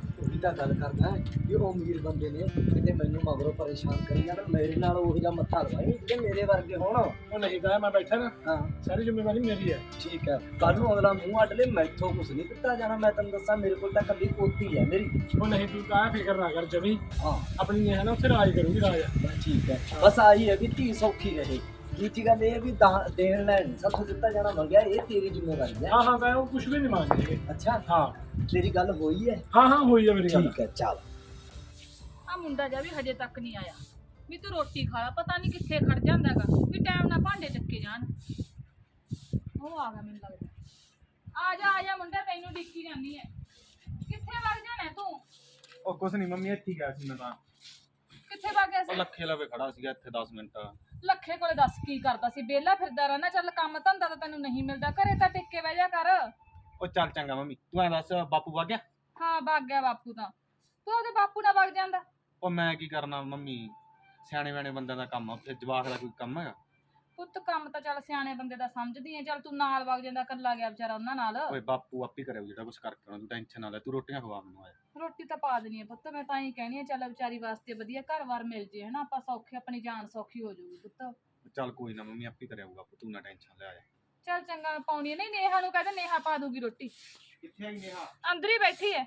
Speaker 3: ਤਾਂ ਗੱਲ ਕਰਦਾ ਵੀ ਉਹ ਅਮੀਰ ਬੰਦੇ ਨੇ ਕਿਤੇ ਮੈਨੂੰ ਮਗਰੋਂ ਪਰੇਸ਼ਾਨ ਕਰੀ ਜਾਣ, ਮੇਰੇ ਨਾਲ ਉਹ ਜਿਹਾ ਮੱਥਾ ਲਵਾਈ ਜਿਹੜੇ ਮੇਰੇ ਵਰਗੇ ਹੋਣ।
Speaker 5: ਉਹ ਨਹੀਂ ਕਹਾ ਮੈਂ ਬੈਠਾ ਨਾ,
Speaker 3: ਹਾਂ
Speaker 5: ਸਾਰੀ ਜ਼ਿੰਮੇਵਾਰੀ ਮੇਰੀ ਹੈ।
Speaker 3: ਠੀਕ ਹੈ, ਕੱਲ ਨੂੰ ਅਗਲਾ ਮੂੰਹ ਅੱਡ ਲੈ, ਮੈਥੋਂ ਕੁਛ ਨਹੀਂ ਦਿੱਤਾ ਜਾਣਾ। ਮੈਂ ਤੈਨੂੰ ਦੱਸਾਂ ਮੇਰੇ ਕੋਲ ਤਾਂ ਕੱਲੀ ਪੋਤੀ ਹੈ ਮੇਰੀ।
Speaker 5: ਉਹ ਨਹੀਂ ਤੂੰ ਕਹਾ ਫਿਕਰ ਨਾ ਕਰ ਜਮੀ,
Speaker 3: ਹਾਂ
Speaker 5: ਆਪਣੀ ਨੇ ਹੈ ਨਾ ਉੱਥੇ ਰਾਜ ਕਰੂਗੀ ਰਾਜ।
Speaker 3: ਬਸ ਠੀਕ ਹੈ, ਬਸ ਆਹੀ ਹੈ ਵੀ ਧੀ ਸੌਖੀ ਰਹੇ। ਦੂਜੀ ਗੱਲ ਇਹ ਹੈ ਵੀ ਦੇਣ ਲੈਣ ਨਹੀਂ ਸਭ ਦਿੱਤਾ ਜਾਣਾ ਮੰਗਿਆ, ਇਹ ਤੇਰੀ ਜ਼ਿੰਮੇਵਾਰੀ ਹੈ।
Speaker 5: ਹਾਂ ਹਾਂ ਕਹਾਂ ਉਹ ਕੁਝ ਵੀ ਨਹੀਂ ਮੰਗਦੇ।
Speaker 3: ਅੱਛਾ
Speaker 5: ਹਾਂ
Speaker 3: ਤੇਰੀ ਗੱਲ ਹੋਈ ਹੈ?
Speaker 5: ਹਾਂ ਹਾਂ ਹੋਈ ਹੈ ਮੇਰੀ ਗੱਲ।
Speaker 3: ਠੀਕ ਹੈ ਚੱਲ।
Speaker 1: ਆ ਮੁੰਡਾ ਜਿਹਾ ਵੀ ਹਜੇ ਤੱਕ ਨਹੀਂ ਆਇਆ ਵੀ ਤੂੰ ਰੋਟੀ ਖਾ ਲਾ, ਪਤਾ ਨਹੀਂ ਕਿੱਥੇ ਖੜ ਜਾਂਦਾਗਾ ਵੀ ਟਾਈਮ ਨਾਲ ਭਾਂਡੇ ਚੱਕੇ ਜਾਣ। ਉਹ ਆ ਗਿਆ ਮੈਨੂੰ ਲੱਗਦਾ। ਆ ਜਾ ਮੁੰਡਾ, ਤੈਨੂੰ ਡਿੱਕੀ ਜਾਂਦੀ ਹੈ। ਕਿੱਥੇ ਵਗ ਜਾਣਾ ਤੂੰ?
Speaker 4: ਉਹ ਕੁਛ ਨਹੀਂ ਮੰਮੀ, ਇੱਥੇ ਗਿਆ ਸੀ ਮੈਂ ਤਾਂ।
Speaker 1: ਕਿੱਥੇ ਵਗ ਗਿਆ
Speaker 4: ਉਹ
Speaker 1: ਸੀ?
Speaker 4: ਲੱਖੇ ਲਵੇ ਖੜਾ ਸੀਗਾ ਇੱਥੇ 10 ਮਿੰਟ।
Speaker 1: ਲੱਖੇ ਕੋਲੇ ਦੱਸ ਕੀ ਕਰਦਾ ਸੀ? ਵਿਹਲਾ ਫਿਰਦਾ ਰਹਿਣਾ। ਚੱਲ ਕੰਮ ਧੰਦਾ ਤਾਂ ਤੈਨੂੰ ਨਹੀਂ ਮਿਲਦਾ, ਘਰੇ ਤਾਂ ਟਿੱਕੇ ਬਹਿ ਜਾ ਕਰ।
Speaker 4: ਉਹ ਚੱਲ ਚੰਗਾ ਮੰਮੀ, ਤੂੰ ਐਂ ਦੱਸ ਬਾਪੂ ਵਗ ਗਿਆ?
Speaker 1: ਹਾਂ ਵਗ ਗਿਆ ਬਾਪੂ ਤਾਂ। ਤੂੰ ਉਹਦੇ ਬਾਪੂ ਨਾਲ ਵਗ ਜਾਂਦਾ।
Speaker 4: ਉਹ ਮੈਂ ਕੀ ਕਰਨਾ ਮੰਮੀ, ਸਿਆਣੇ ਬਿਆਣੇ ਬੰਦਿਆਂ ਦਾ ਕੰਮ ਆ, ਉੱਥੇ ਜਵਾਕ ਦਾ ਕੋਈ ਕੰਮ ਹੈਗਾ?
Speaker 1: ਪੁੱਤ ਕੰਮ ਤਾਂ ਚੱਲ ਸਿਆਣੇ ਬੰਦੇ ਦਾ ਸਮਝਦੀ ਐ। ਚੱਲ ਤੂੰ ਨਾਲ ਵਗ ਜਾਂਦਾ, ਕੱਲਾ ਗਿਆ ਵਿਚਾਰਾ ਉਹਨਾਂ ਨਾਲ।
Speaker 4: ਓਏ ਬਾਪੂ ਆਪੇ ਕਰੇ ਜਿਹੜਾ ਕੁਝ ਕਰਕੇ ਆਉਣਾ, ਤੂੰ ਟੈਨਸ਼ਨ ਨਾ ਲੈ, ਤੂੰ ਰੋਟੀਆਂ ਖਵਾ ਮੈਨੂੰ। ਆਇਆ
Speaker 1: ਰੋਟੀ ਤਾਂ ਪਾ ਦੇਣੀ ਐ ਪੁੱਤ, ਮੈਂ ਤਾਂ ਹੀ ਕਹਿਣੀ ਐ ਚੱਲ ਵਿਚਾਰੀ ਵਾਸਤੇ ਵਧੀਆ ਘਰ-ਬਾਰ ਮਿਲ ਜੇ ਹਨਾ, ਆਪਾਂ ਸੌਖੇ, ਆਪਣੀ ਜਾਨ ਸੌਖੀ ਹੋ ਜਾਊਗੀ ਪੁੱਤ।
Speaker 4: ਚੱਲ ਕੋਈ ਨਾ ਮੰਮੀ, ਆਪੇ ਕਰਿਆ ਆਊਗਾ, ਤੂੰ ਨਾ ਟੈਨਸ਼ਨ ਲੈ। ਆਇਆ
Speaker 1: ਚੱਲ ਚੰਗਾ, ਮੈਂ ਪਾਉਣੀ ਨਹੀਂ। ਨੇਹਾ ਨੂੰ ਕਹਿੰਦੇ ਨੇਹਾ ਪਾ ਦੂਗੀ ਰੋਟੀ।
Speaker 4: ਕਿੱਥੇ ਆਈ ਨੇਹਾ?
Speaker 1: ਅੰਦਰ ਹੀ ਬੈਠੀ ਐ।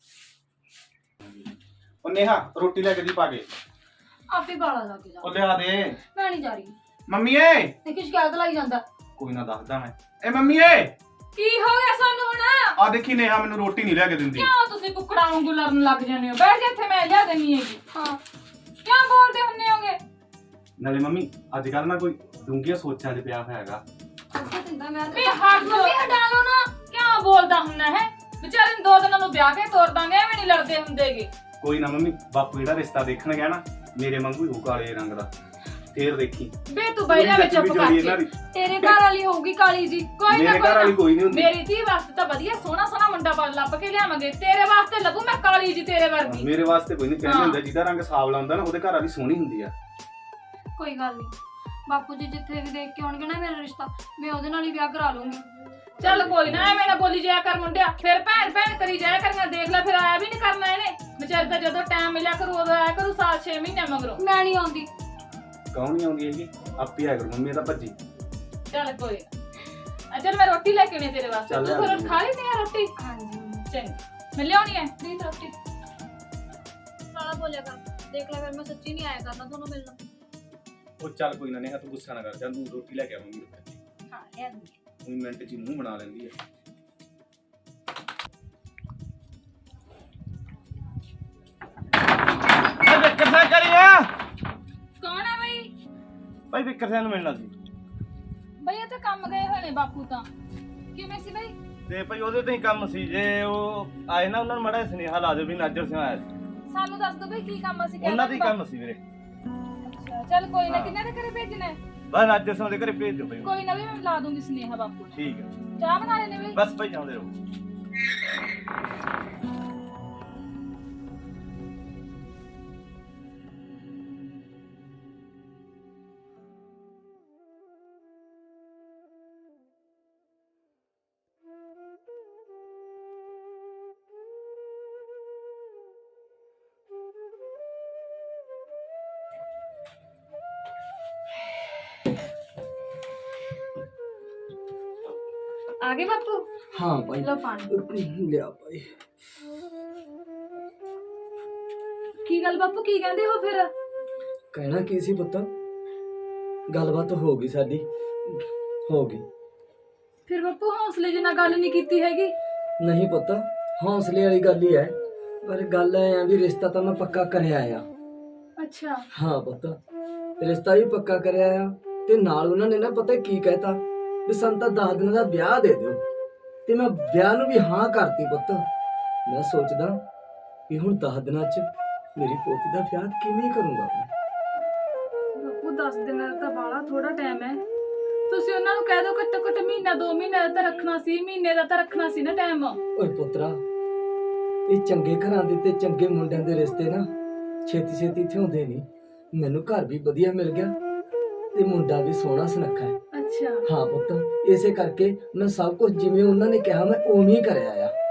Speaker 4: ਉਹ ਨੇਹਾ ਰੋਟੀ ਲੈ ਕੇ ਦੀ ਪਾ ਕੇ।
Speaker 2: ਆਪੇ ਗਾਲਾਂ ਲਾ ਕੇ ਜਾ।
Speaker 4: ਉਹ ਲਿਆ ਦੇ
Speaker 2: ਮੈਂ ਨਹੀਂ ਜਾ ਰਹੀ
Speaker 4: ਮੰਮੀ ਏ।
Speaker 2: ਤੇ ਕਿ ਸ਼ਿਕਾਇਤ ਲਾਈ ਜਾਂਦਾ।
Speaker 4: ਕੋਈ ਨਾ ਦੱਸਦਾ ਮੈਂ। ਏ ਮੰਮੀ ਏ,
Speaker 1: ਕੀ ਹੋ ਗਿਆ ਸਾਨੂੰ ਹੁਣ?
Speaker 4: ਆ ਦੇਖੀ ਨੇਹਾ ਮੈਨੂੰ ਰੋਟੀ ਨਹੀਂ ਲਿਆ ਕੇ ਦਿੰਦੀ।
Speaker 1: ਕਿਉਂ ਤੁਸੀਂ ਕੁੱਕੜਾਂ ਵਾਂਗੂ ਲੜਨ ਲੱਗ ਜਾਂਦੇ ਹੋ? ਬੈਠ ਜਾ ਇੱਥੇ, ਮੈਂ ਲਿਆ ਦੇਣੀ ਹੈਗੀ।
Speaker 2: ਹਾਂ
Speaker 1: ਕਿਉਂ ਬੋਲਦੇ ਹੁੰਨੇ ਹੋਗੇ?
Speaker 4: ਨਾਲੇ ਮੰਮੀ ਅੱਜ ਕੱਲ ਨਾ ਕੋਈ ਡੂੰਘੀਆਂ ਸੋਚਾਂ 'ਚ ਪਿਆ ਹੋਇਆ ਹੈਗਾ।
Speaker 2: ਅੱਛਾ ਤਿੰਦਾ ਮੈਂ
Speaker 1: ਵੀ ਹਟ
Speaker 2: ਮੰਮੀ ਹਟਾ ਲਓ ਨਾ।
Speaker 1: ਕਿਉਂ ਬੋਲਦਾ ਹੁੰਨਾ ਹੈ? ਵਿਚਾਰੇ ਨੂੰ 2 ਦਿਨਾਂ ਨੂੰ ਵਿਆਹ ਕੇ ਤੋਰ ਦਾਂਗੇ, ਐਵੇਂ ਨਹੀਂ ਲੜਦੇ ਹੁੰਦੇਗੇ।
Speaker 4: ਕੋਈ ਨਾ ਮੰਮੀ, ਬਾਪੂ ਜਿਹੜਾ ਰਿਸ਼ਤਾ ਦੇਖਣ ਗਿਆ ਨਾ ਮੇਰੇ ਵਾਂਗੂ ਹੀ ਹੋਊ, ਕਾਲੇ ਰੰਗ ਦਾ। ਫੇਰ ਦੇਖੀ
Speaker 1: ਬੇ ਤੂੰ ਬਹਿ ਜਾ ਵਿੱਚ ਚੁੱਪ ਕਰਕੇ।
Speaker 2: ਤੇਰੇ ਘਰ ਵਾਲੀ ਹੋਊਗੀ ਕਾਲੀ ਜੀ।
Speaker 1: ਕੋਈ ਨਾ
Speaker 4: ਮੇਰੇ ਘਰ ਵਾਲੀ ਕੋਈ ਨਹੀਂ ਹੁੰਦੀ।
Speaker 1: ਮੇਰੀ ਧੀ ਵਾਸਤੇ ਤਾਂ ਵਧੀਆ ਸੋਹਣਾ ਮੁੰਡਾ ਲੱਭ ਕੇ ਲਿਆਵਾਂਗੇ। ਤੇਰੇ ਵਾਸਤੇ ਲੱਭੂ ਮੈਂ ਕਾਲੀ ਜੀ ਤੇਰੇ ਵਰਗੀ।
Speaker 4: ਮੇਰੇ ਵਾਸਤੇ ਕੋਈ ਨਹੀਂ, ਕਹਿੰਦੇ ਹੁੰਦਾ ਜਿਹਦਾ ਰੰਗ ਸਾਵਲਾ ਹੁੰਦਾ ਨਾ ਉਹਦੇ ਘਰ ਵਾਲੀ ਸੋਹਣੀ ਹੁੰਦੀ ਆ।
Speaker 2: ਕੋਈ ਗੱਲ ਨਹੀਂ, ਬਾਪੂ ਜੀ ਜਿੱਥੇ ਵੀ ਦੇਖ ਕੇ ਆਉਣਗੇ ਨਾ ਮੇਰਾ ਰਿਸ਼ਤਾ, ਮੈਂ ਉਹਦੇ ਨਾਲ ਹੀ ਵਿਆਹ ਕਰਾ ਲੂੰਗੀ।
Speaker 1: ਚੱਲ ਕੋਈ ਨਾ, ਐਵੇਂ ਨਾ ਬੋਲੀ ਜਾਇਆ ਕਰ ਮੁੰਡਿਆ। ਫਿਰ ਭੈਣ ਕਰੀ ਜਾਇਆ ਕਰੀਆਂ। ਦੇਖ ਲੈ ਫਿਰ ਆਇਆ ਵੀ ਨਹੀਂ ਕਰਨਾ ਇਹਨੇ। ਵਿਚਾਰੇ ਤਾਂ ਜਦੋਂ ਟਾਈਮ ਮਿਲਿਆ ਕਰੂ ਉਦੋਂ ਆਇਆ ਕਰੂ, ਸਾਲ 6 ਮਹੀਨੇ ਮਗਰੋਂ।
Speaker 2: ਮੈਂ ਨਹੀਂ ਆਉਂਦੀ।
Speaker 4: ਕੌਣ ਨਹੀਂ ਆਉਂਦੀ ਹੈਗੀ? ਆਪੇ ਆਇਆ ਕਰੂ ਮੰਮੀ, ਤਾਂ ਭੱਜੀ।
Speaker 1: ਚੱਲ ਕੋਈ ਨਾ। ਚੱਲ ਮੈਂ ਰੋਟੀ ਲੈ ਕੇ ਆਉਣੀ ਤੇਰੇ ਵਾਸਤੇ।
Speaker 4: ਚੱਲ
Speaker 1: ਤੂੰ
Speaker 4: ਲਿਆ
Speaker 1: ਫਿਰ ਖਾ ਲਈ ਨਹੀਂ ਰੋਟੀ?
Speaker 2: ਹਾਂਜੀ
Speaker 1: ਚੰਗਾ, ਮੈਂ ਲਿਆਉਣੀ ਹੈ ਪ੍ਰੀਤ ਰੋਟੀ।
Speaker 2: ਸਾਲਾ ਬੋਲਿਆ ਕਰ। ਦੇਖ ਲੈ ਫਿਰ ਮੈਂ ਸੱਚੀ ਨਹੀਂ ਆਇਆ ਕਰਨਾ ਤੁਹਾਨੂੰ ਮਿਲਣਾ।
Speaker 4: ਉਹ ਚੱਲ ਕੋਈ ਨਾ ਨੇਹਾ, ਤੂੰ ਗੁੱਸਾ ਨਾ ਕਰ, ਚੱਲ ਤੂੰ ਰੋਟੀ ਲੈ ਕੇ ਆਉਂਗੀ।
Speaker 1: ਹਾਂ ਲਿਆ ਦੂੰਗੀ।
Speaker 4: ਉਹ ਮਿੰਟ 'ਚ ਹੀ ਮੂੰਹ ਬਣਾ ਲੈਂਦੀ ਆ।
Speaker 6: ਵਿਕਰ ਸਿੰਘ ਕਰੀਆ
Speaker 1: ਕੌਣ ਹੈ ਬਈ?
Speaker 6: ਭਾਈ ਵਿਕਰ ਸਿੰਘ ਨੂੰ ਮਿਲਣਾ ਸੀ
Speaker 1: ਬਈ ਇਹ ਤਾਂ ਕੰਮ ਗਏ ਹੋਏ ਨੇ ਬਾਪੂ ਤਾਂ। ਕਿਵੇਂ ਸੀ ਬਈ?
Speaker 6: ਤੇ ਭਾਈ ਉਹਦੇ ਤੇ ਹੀ ਕੰਮ ਸੀ। ਜੇ ਉਹ ਆਏ ਨਾ ਉਹਨਾਂ ਨੂੰ ਮਾੜਾ ਸੁਨੇਹਾ ਲਾ ਦਿਓ ਵੀ ਨਾਜਰ ਸਿੰਘ ਆਇਆ ਸੀ।
Speaker 1: ਸਾਨੂੰ ਦੱਸ ਦੋ ਬਈ ਕੀ ਕੰਮ ਸੀ?
Speaker 6: ਉਹਨਾਂ ਦੇ ਕੰਮ ਸੀ ਵੀਰੇ।
Speaker 1: ਅੱਛਾ ਚੱਲ ਕੋਈ ਨਾ।
Speaker 6: ਹਾਂ।
Speaker 1: ਕਿੰਨੇ ਦੇ ਘਰੇ ਭੇਜਣਾ ਹੈ?
Speaker 6: ਬਸ ਨਾਜਰ ਸਿੰਘ ਦੇ ਘਰੇ ਭੇਜ ਦਿਓ ਭਾਈ।
Speaker 1: ਕੋਈ ਨਾ ਵੀ ਮੈਂ ਲਾ ਦੂੰਗੀ ਸੁਨੇਹਾ ਬਾਪੂ ਨੂੰ।
Speaker 6: ਠੀਕ ਹੈ,
Speaker 1: ਚਾਹ ਬਣਾ ਲੈਣੇ ਬਈ?
Speaker 6: ਬਸ ਭਾਈ ਜਾਂਦੇ ਰਹੋ।
Speaker 2: ਆ ਗਏ ਬਾਪੂ?
Speaker 3: ਹਾਂ ਭਾਈ
Speaker 2: ਲਓ ਪਾਣੀ।
Speaker 3: ਲਿਆ ਭਾਈ।
Speaker 1: ਕੀ ਗੱਲ ਬਾਪੂ, ਕੀ ਕਹਿੰਦੇ ਹੋ ਫਿਰ?
Speaker 3: ਕਹਿਣਾ ਕੀ ਸੀ ਪੁੱਤ, ਗੱਲਬਾਤ ਹੋ ਗਈ ਸਾਡੀ, ਹੋ ਗਈ।
Speaker 1: ਫਿਰ ਬਾਪੂ ਹੌਸਲੇ ਜਿਹੀ ਨਾਲ ਗੱਲ ਨਹੀਂ ਕੀਤੀ ਹੈਗੀ?
Speaker 3: ਨਹੀਂ ਪੁੱਤ, ਹੌਸਲੇ ਵਾਲੀ ਗੱਲ ਹੀ ਹੈ, ਪਰ ਗੱਲ ਐ ਆ ਵੀ ਰਿਸ਼ਤਾ ਤਾਂ ਮੈਂ ਪੱਕਾ ਕਰਿਆ ਆ।
Speaker 1: ਅੱਛਾ।
Speaker 3: ਹਾਂ ਪੁੱਤ, ਰਿਸ਼ਤਾ ਵੀ ਪੱਕਾ ਕਰਿਆ ਆ, ਤੇ ਨਾਲ ਉਹਨਾਂ ਨੇ ਨਾ ਪਤਾ ਕੀ ਕਹਿਤਾ ਵੀ ਸਾਨੂੰ ਤਾਂ 10 ਦਿਨਾਂ ਦਾ ਵਿਆਹ ਦੇ ਦਿਓ, ਤੇ ਮੈਂ ਵਿਆਹ ਨੂੰ ਵੀ ਹਾਂ ਕਰਤੀ ਪੁੱਤ। ਮੈਂ ਸੋਚਦਾ ਵੀ ਹੁਣ 10 ਦਿਨਾਂ 'ਚ ਮੇਰੀ ਪੋਤੀ ਦਾ ਵਿਆਹ ਕਿਵੇਂ ਕਰੂੰਗਾ ਮੈਂ।
Speaker 1: ਬਾਪੂ 10 ਦਿਨਾਂ ਦਾ ਤਾਂ ਬਾਲਾ ਥੋੜਾ ਟਾਈਮ ਹੈ। ਤੁਸੀਂ ਉਹਨਾਂ ਨੂੰ ਕਹਿ ਦਿਓ ਘੱਟੋ ਘੱਟ ਮਹੀਨਾ 2 ਮਹੀਨੇ ਦਾ ਤਾਂ ਰੱਖਣਾ ਸੀ, ਮਹੀਨੇ ਦਾ ਤਾਂ ਰੱਖਣਾ ਸੀ ਨਾ ਟਾਈਮ।
Speaker 3: ਓਏ ਪੁੱਤਰਾ, ਇਹ ਚੰਗੇ ਘਰਾਂ ਦੇ ਤੇ ਚੰਗੇ ਮੁੰਡਿਆਂ ਦੇ ਰਿਸ਼ਤੇ ਨਾ ਛੇਤੀ ਛੇਤੀ ਇੱਥੇ ਹੁੰਦੇ ਨਹੀਂ। ਮੈਨੂੰ ਘਰ ਵੀ ਵਧੀਆ ਮਿਲ ਗਿਆ ਤੇ ਮੁੰਡਾ ਵੀ ਸੋਹਣਾ ਸੁਨੱਖਾ ਹੈ।
Speaker 1: ਅੱਛਾ।
Speaker 3: ਹਾਂ ਪੁੱਤ, ਇਸੇ ਕਰਕੇ ਮੈਂ ਸਭ ਕੁਝ ਜਿਵੇਂ ਉਹਨਾਂ ਨੇ ਕਿਹਾ ਮੈਂ ਉਵੇਂ ਹੀ ਕਰਿਆ ਆ।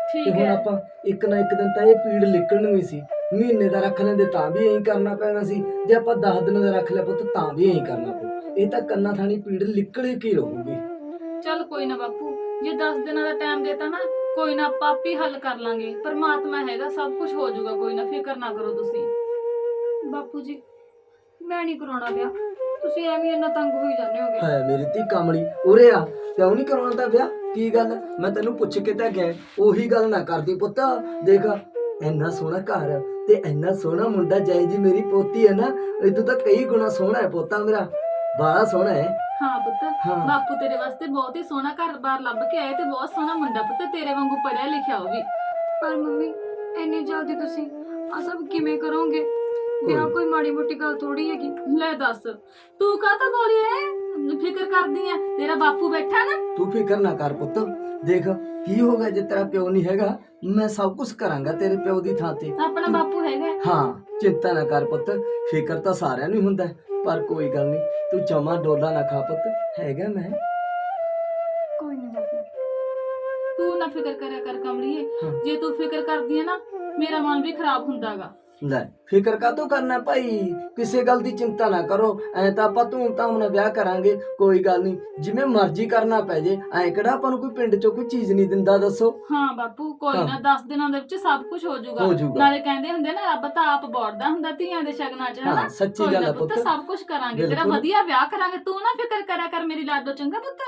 Speaker 3: ਤੇ
Speaker 1: ਠੀਕ
Speaker 3: ਹੁਣ
Speaker 1: ਹੈ
Speaker 3: ਆਪਾਂ ਇੱਕ ਨਾ ਇੱਕ ਦਿਨ ਤਾਂ ਇਹ ਪੀੜ ਨਿਕਲਣੀ ਸੀ। ਮਹੀਨੇ ਦਾ ਰੱਖ ਲੈਂਦੇ ਤਾਂ ਵੀ ਇਹੀ ਕਰਨਾ ਪੈਣਾ ਸੀ, ਜੇ ਆਪਾਂ 10 ਦਿਨਾਂ ਦਾ ਰੱਖ ਲਿਆ ਪੁੱਤ ਤਾਂ ਵੀ ਇਹੀ ਕਰਨਾ ਪਊ। ਇਹ ਤਾਂ ਕੰਨਾਂ ਥਾਣੀ ਪੀੜ ਨਿਕਲ ਕੀ ਰਹੂਗੀ।
Speaker 1: ਚੱਲ ਕੋਈ ਨਾ ਬਾਪੂ, ਜੇ 10 ਦਿਨਾਂ ਦਾ ਟਾਈਮ ਦੇਤਾ ਨਾ, ਕੋਈ ਨਾ ਆਪਾਂ ਆਪੇ ਹੱਲ ਕਰ ਲਾਂਗੇ। ਪਰਮਾਤਮਾ ਹੈਗਾ, ਸਭ ਕੁਝ ਹੋ ਜਾਊਗਾ, ਕੋਈ ਨਾ ਫਿਕਰ ਨਾ ਕਰੋ ਤੁਸੀਂ।
Speaker 2: ਬਾਪੂ ਜੀ ਮੈਂ ਨਹੀਂ ਕਰਾਉਣਾ ਵਿਆਹ, ਤੁਸੀਂ ਐਵੇਂ ਇੰਨਾ ਤੰਗ ਹੋਈ ਜਾਂਦੇ ਹੋਗੇ।
Speaker 3: ਹੈ ਮੇਰੀ ਧੀ ਕਮਲੀ, ਉਰੇ ਆ। ਕਿਉਂ ਨਹੀਂ ਕਰਾਉਣਾ ਤਾਂ ਵਿਆਹ? ਕੀ ਗੱਲ? ਮੈਂ ਤੈਨੂੰ ਪੁੱਛ ਕੇ ਤਾਂ ਗਿਆ, ਉਹੀ ਗੱਲ ਨਾ ਕਰਦੀ ਪੁੱਤ। ਦੇਖ ਇੰਨਾ ਸੋਹਣਾ ਘਰ ਤੇ ਇੰਨਾ ਸੋਹਣਾ ਮੁੰਡਾ, ਜੈ ਜੀ ਮੇਰੀ ਪੋਤੀ ਹੈ ਨਾ, ਇਹ ਤਾਂ ਕਈ ਗੁਣਾ ਸੋਹਣਾ ਹੈ ਪੋਤਾ ਮੇਰਾ, ਬਾਲਾ ਸੋਹਣਾ ਹੈ।
Speaker 1: ਹਾਂ ਪੁੱਤ,
Speaker 3: ਹਾਂ।
Speaker 1: ਬਾਪੂ ਤੇਰੇ ਵਾਸਤੇ ਬਹੁਤ ਹੀ ਸੋਹਣਾ ਘਰ-ਬਾਰ ਲੱਭ ਕੇ ਆਏ ਤੇ ਬਹੁਤ ਸੋਹਣਾ ਮੁੰਡਾ ਪੁੱਤ, ਤੇਰੇ ਵਾਂਗੂ ਪੜਿਆ ਲਿਖਿਆ ਉਹ ਵੀ।
Speaker 2: ਪਰ ਮੰਮੀ ਇੰਨੀ ਜਲਦੀ ਤੁਸੀਂ ਆ ਸਭ ਕਿਵੇਂ ਕਰੋਗੇ? ਵਿਆਹ ਕੋਈ ਮਾੜੀ ਮੋਟੀ ਗੱਲ ਥੋੜੀ ਹੈਗੀ।
Speaker 1: ਲੈ ਦੱਸ, ਤੂੰ ਕਾਹਤੋਂ ਬੋਲੀ ਐ? ਫਿਕਰ ਕਰਦੀ ਐ, ਤੇਰਾ ਬਾਪੂ ਬੈਠਾ ਨਾ।
Speaker 3: ਤੂੰ ਫਿਕਰ ਨਾ ਕਰ ਪੁੱਤ। ਦੇਖ ਕੀ ਹੋ ਗਿਆ, ਜੇ ਤੇਰਾ ਪਿਓ ਨਹੀਂ ਹੈਗਾ ਮੈਂ ਸਭ ਕੁਝ ਕਰਾਂਗਾ ਤੇਰੇ ਪਿਓ ਦੀ ਥਾਂ ਤੇ।
Speaker 1: ਆਪਣਾ ਬਾਪੂ ਹੈਗਾ।
Speaker 3: ਹਾਂ ਚਿੰਤਾ ਨਾ ਕਰ ਪੁੱਤ, ਫਿਕਰ ਤਾਂ ਸਾਰਿਆਂ ਨੂੰ ਹੀ ਹੁੰਦਾ, ਪਰ ਕੋਈ ਗੱਲ ਨਹੀਂ, ਤੂੰ ਜਮਾ ਡੋਲਾ ਨਾ ਖਾ ਪੁੱਤ, ਹੈਗਾ ਮੈਂ।
Speaker 2: ਕੋਈ ਨਹੀਂ ਬਾਪੂ।
Speaker 1: ਤੂੰ ਨਾ ਫਿਕਰ ਕਰਿਆ ਕਰ ਕਮਲੀਏ,
Speaker 3: ਹਾਂ।
Speaker 1: ਜੇ ਤੂੰ ਫਿਕਰ ਕਰਦੀ ਐ ਨਾ, ਮੇਰਾ ਮਨ ਵੀ ਖਰਾਬ ਹੁੰਦਾਗਾ।
Speaker 3: ਲੈ ਫਿਕਰ ਕਾਹਤੋਂ ਕਰਨਾ ਭਾਈ, ਕਿਸੇ ਗੱਲ ਦੀ ਚਿੰਤਾ ਨਾ ਕਰੋ। ਐ ਤਾਂ ਆਪਾਂ ਧੂਮ ਧਾਮ ਨਾਲ ਵਿਆਹ ਕਰਾਂਗੇ, ਕੋਈ ਗੱਲ ਨਹੀਂ, ਜਿਵੇਂ ਮਰਜ਼ੀ ਕਰਨਾ ਪੈ ਜੇ। ਐ ਕਿਹੜਾ ਆਪਾਂ ਨੂੰ ਕੋਈ ਪਿੰਡ ਚੋਂ ਕੋਈ ਚੀਜ਼ ਨਹੀਂ ਦਿੰਦਾ, ਦੱਸੋ।
Speaker 1: ਹਾਂ ਬਾਪੂ, ਕੋਈ
Speaker 3: ਹਾਂ।
Speaker 1: ਨਾ 10 ਦਿਨਾਂ ਦੇ ਵਿੱਚ ਸਭ ਕੁਝ ਹੋ
Speaker 3: ਹੋ
Speaker 1: ਜਾਊਗਾ।
Speaker 3: ਜਾਊਗਾ।
Speaker 1: ਨਾਲੇ ਕਹਿੰਦੇ ਹੁੰਦੇ ਨਾ, ਰੱਬ ਤਾਂ ਆਪ ਬੋੜਦਾ ਹੁੰਦਾ ਧੀਆਂ ਦੇ ਸ਼ਗਨਾਂ 'ਚ,
Speaker 3: ਹਾਂ,
Speaker 1: ਹਨਾ?
Speaker 3: ਸੱਚੀ
Speaker 1: ਕੋਈ
Speaker 3: ਗੱਲ
Speaker 1: ਨਾ
Speaker 3: ਆ
Speaker 1: ਪੁੱਤ,
Speaker 3: ਪੁੱਤ।
Speaker 1: ਸਭ ਕੁਝ ਕਰਾਂਗੇ, ਤੇਰਾ
Speaker 3: ਬਿਲਕੁਲ।
Speaker 1: ਵਧੀਆ ਵਿਆਹ ਕਰਾਂਗੇ। ਤੂੰ ਨਾ ਫਿਕਰ ਕਰਿਆ ਕਰ ਮੇਰੀ ਲਾਡੋ, ਚੰਗਾ ਪੁੱਤ।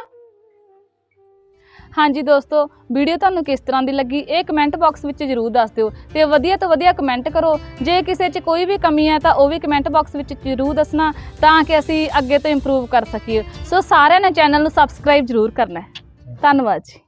Speaker 1: ਹਾਂਜੀ ਦੋਸਤੋ, ਵੀਡੀਓ ਤੁਹਾਨੂੰ ਕਿਸ ਤਰ੍ਹਾਂ ਦੀ ਲੱਗੀ ਇਹ ਕਮੈਂਟ ਬਾਕਸ ਵਿੱਚ ਜ਼ਰੂਰ ਦੱਸ ਦਿਓ ਤੇ ਵਧੀਆ ਤੋਂ ਵਧੀਆ ਕਮੈਂਟ ਕਰੋ। ਜੇ ਕਿਸੇ 'ਚ ਕੋਈ ਵੀ ਕਮੀ ਹੈ ਤਾਂ ਉਹ ਵੀ ਕਮੈਂਟ ਬਾਕਸ ਵਿੱਚ ਜ਼ਰੂਰ ਦੱਸਣਾ, ਤਾਂ ਕਿ ਅਸੀਂ ਅੱਗੇ ਤੋਂ ਇੰਪਰੂਵ ਕਰ ਸਕੀਏ। ਸੋ ਸਾਰਿਆਂ ਨੇ ਚੈਨਲ ਨੂੰ ਸਬਸਕ੍ਰਾਈਬ ਜ਼ਰੂਰ ਕਰਨਾ ਹੈ। ਧੰਨਵਾਦ ਜੀ।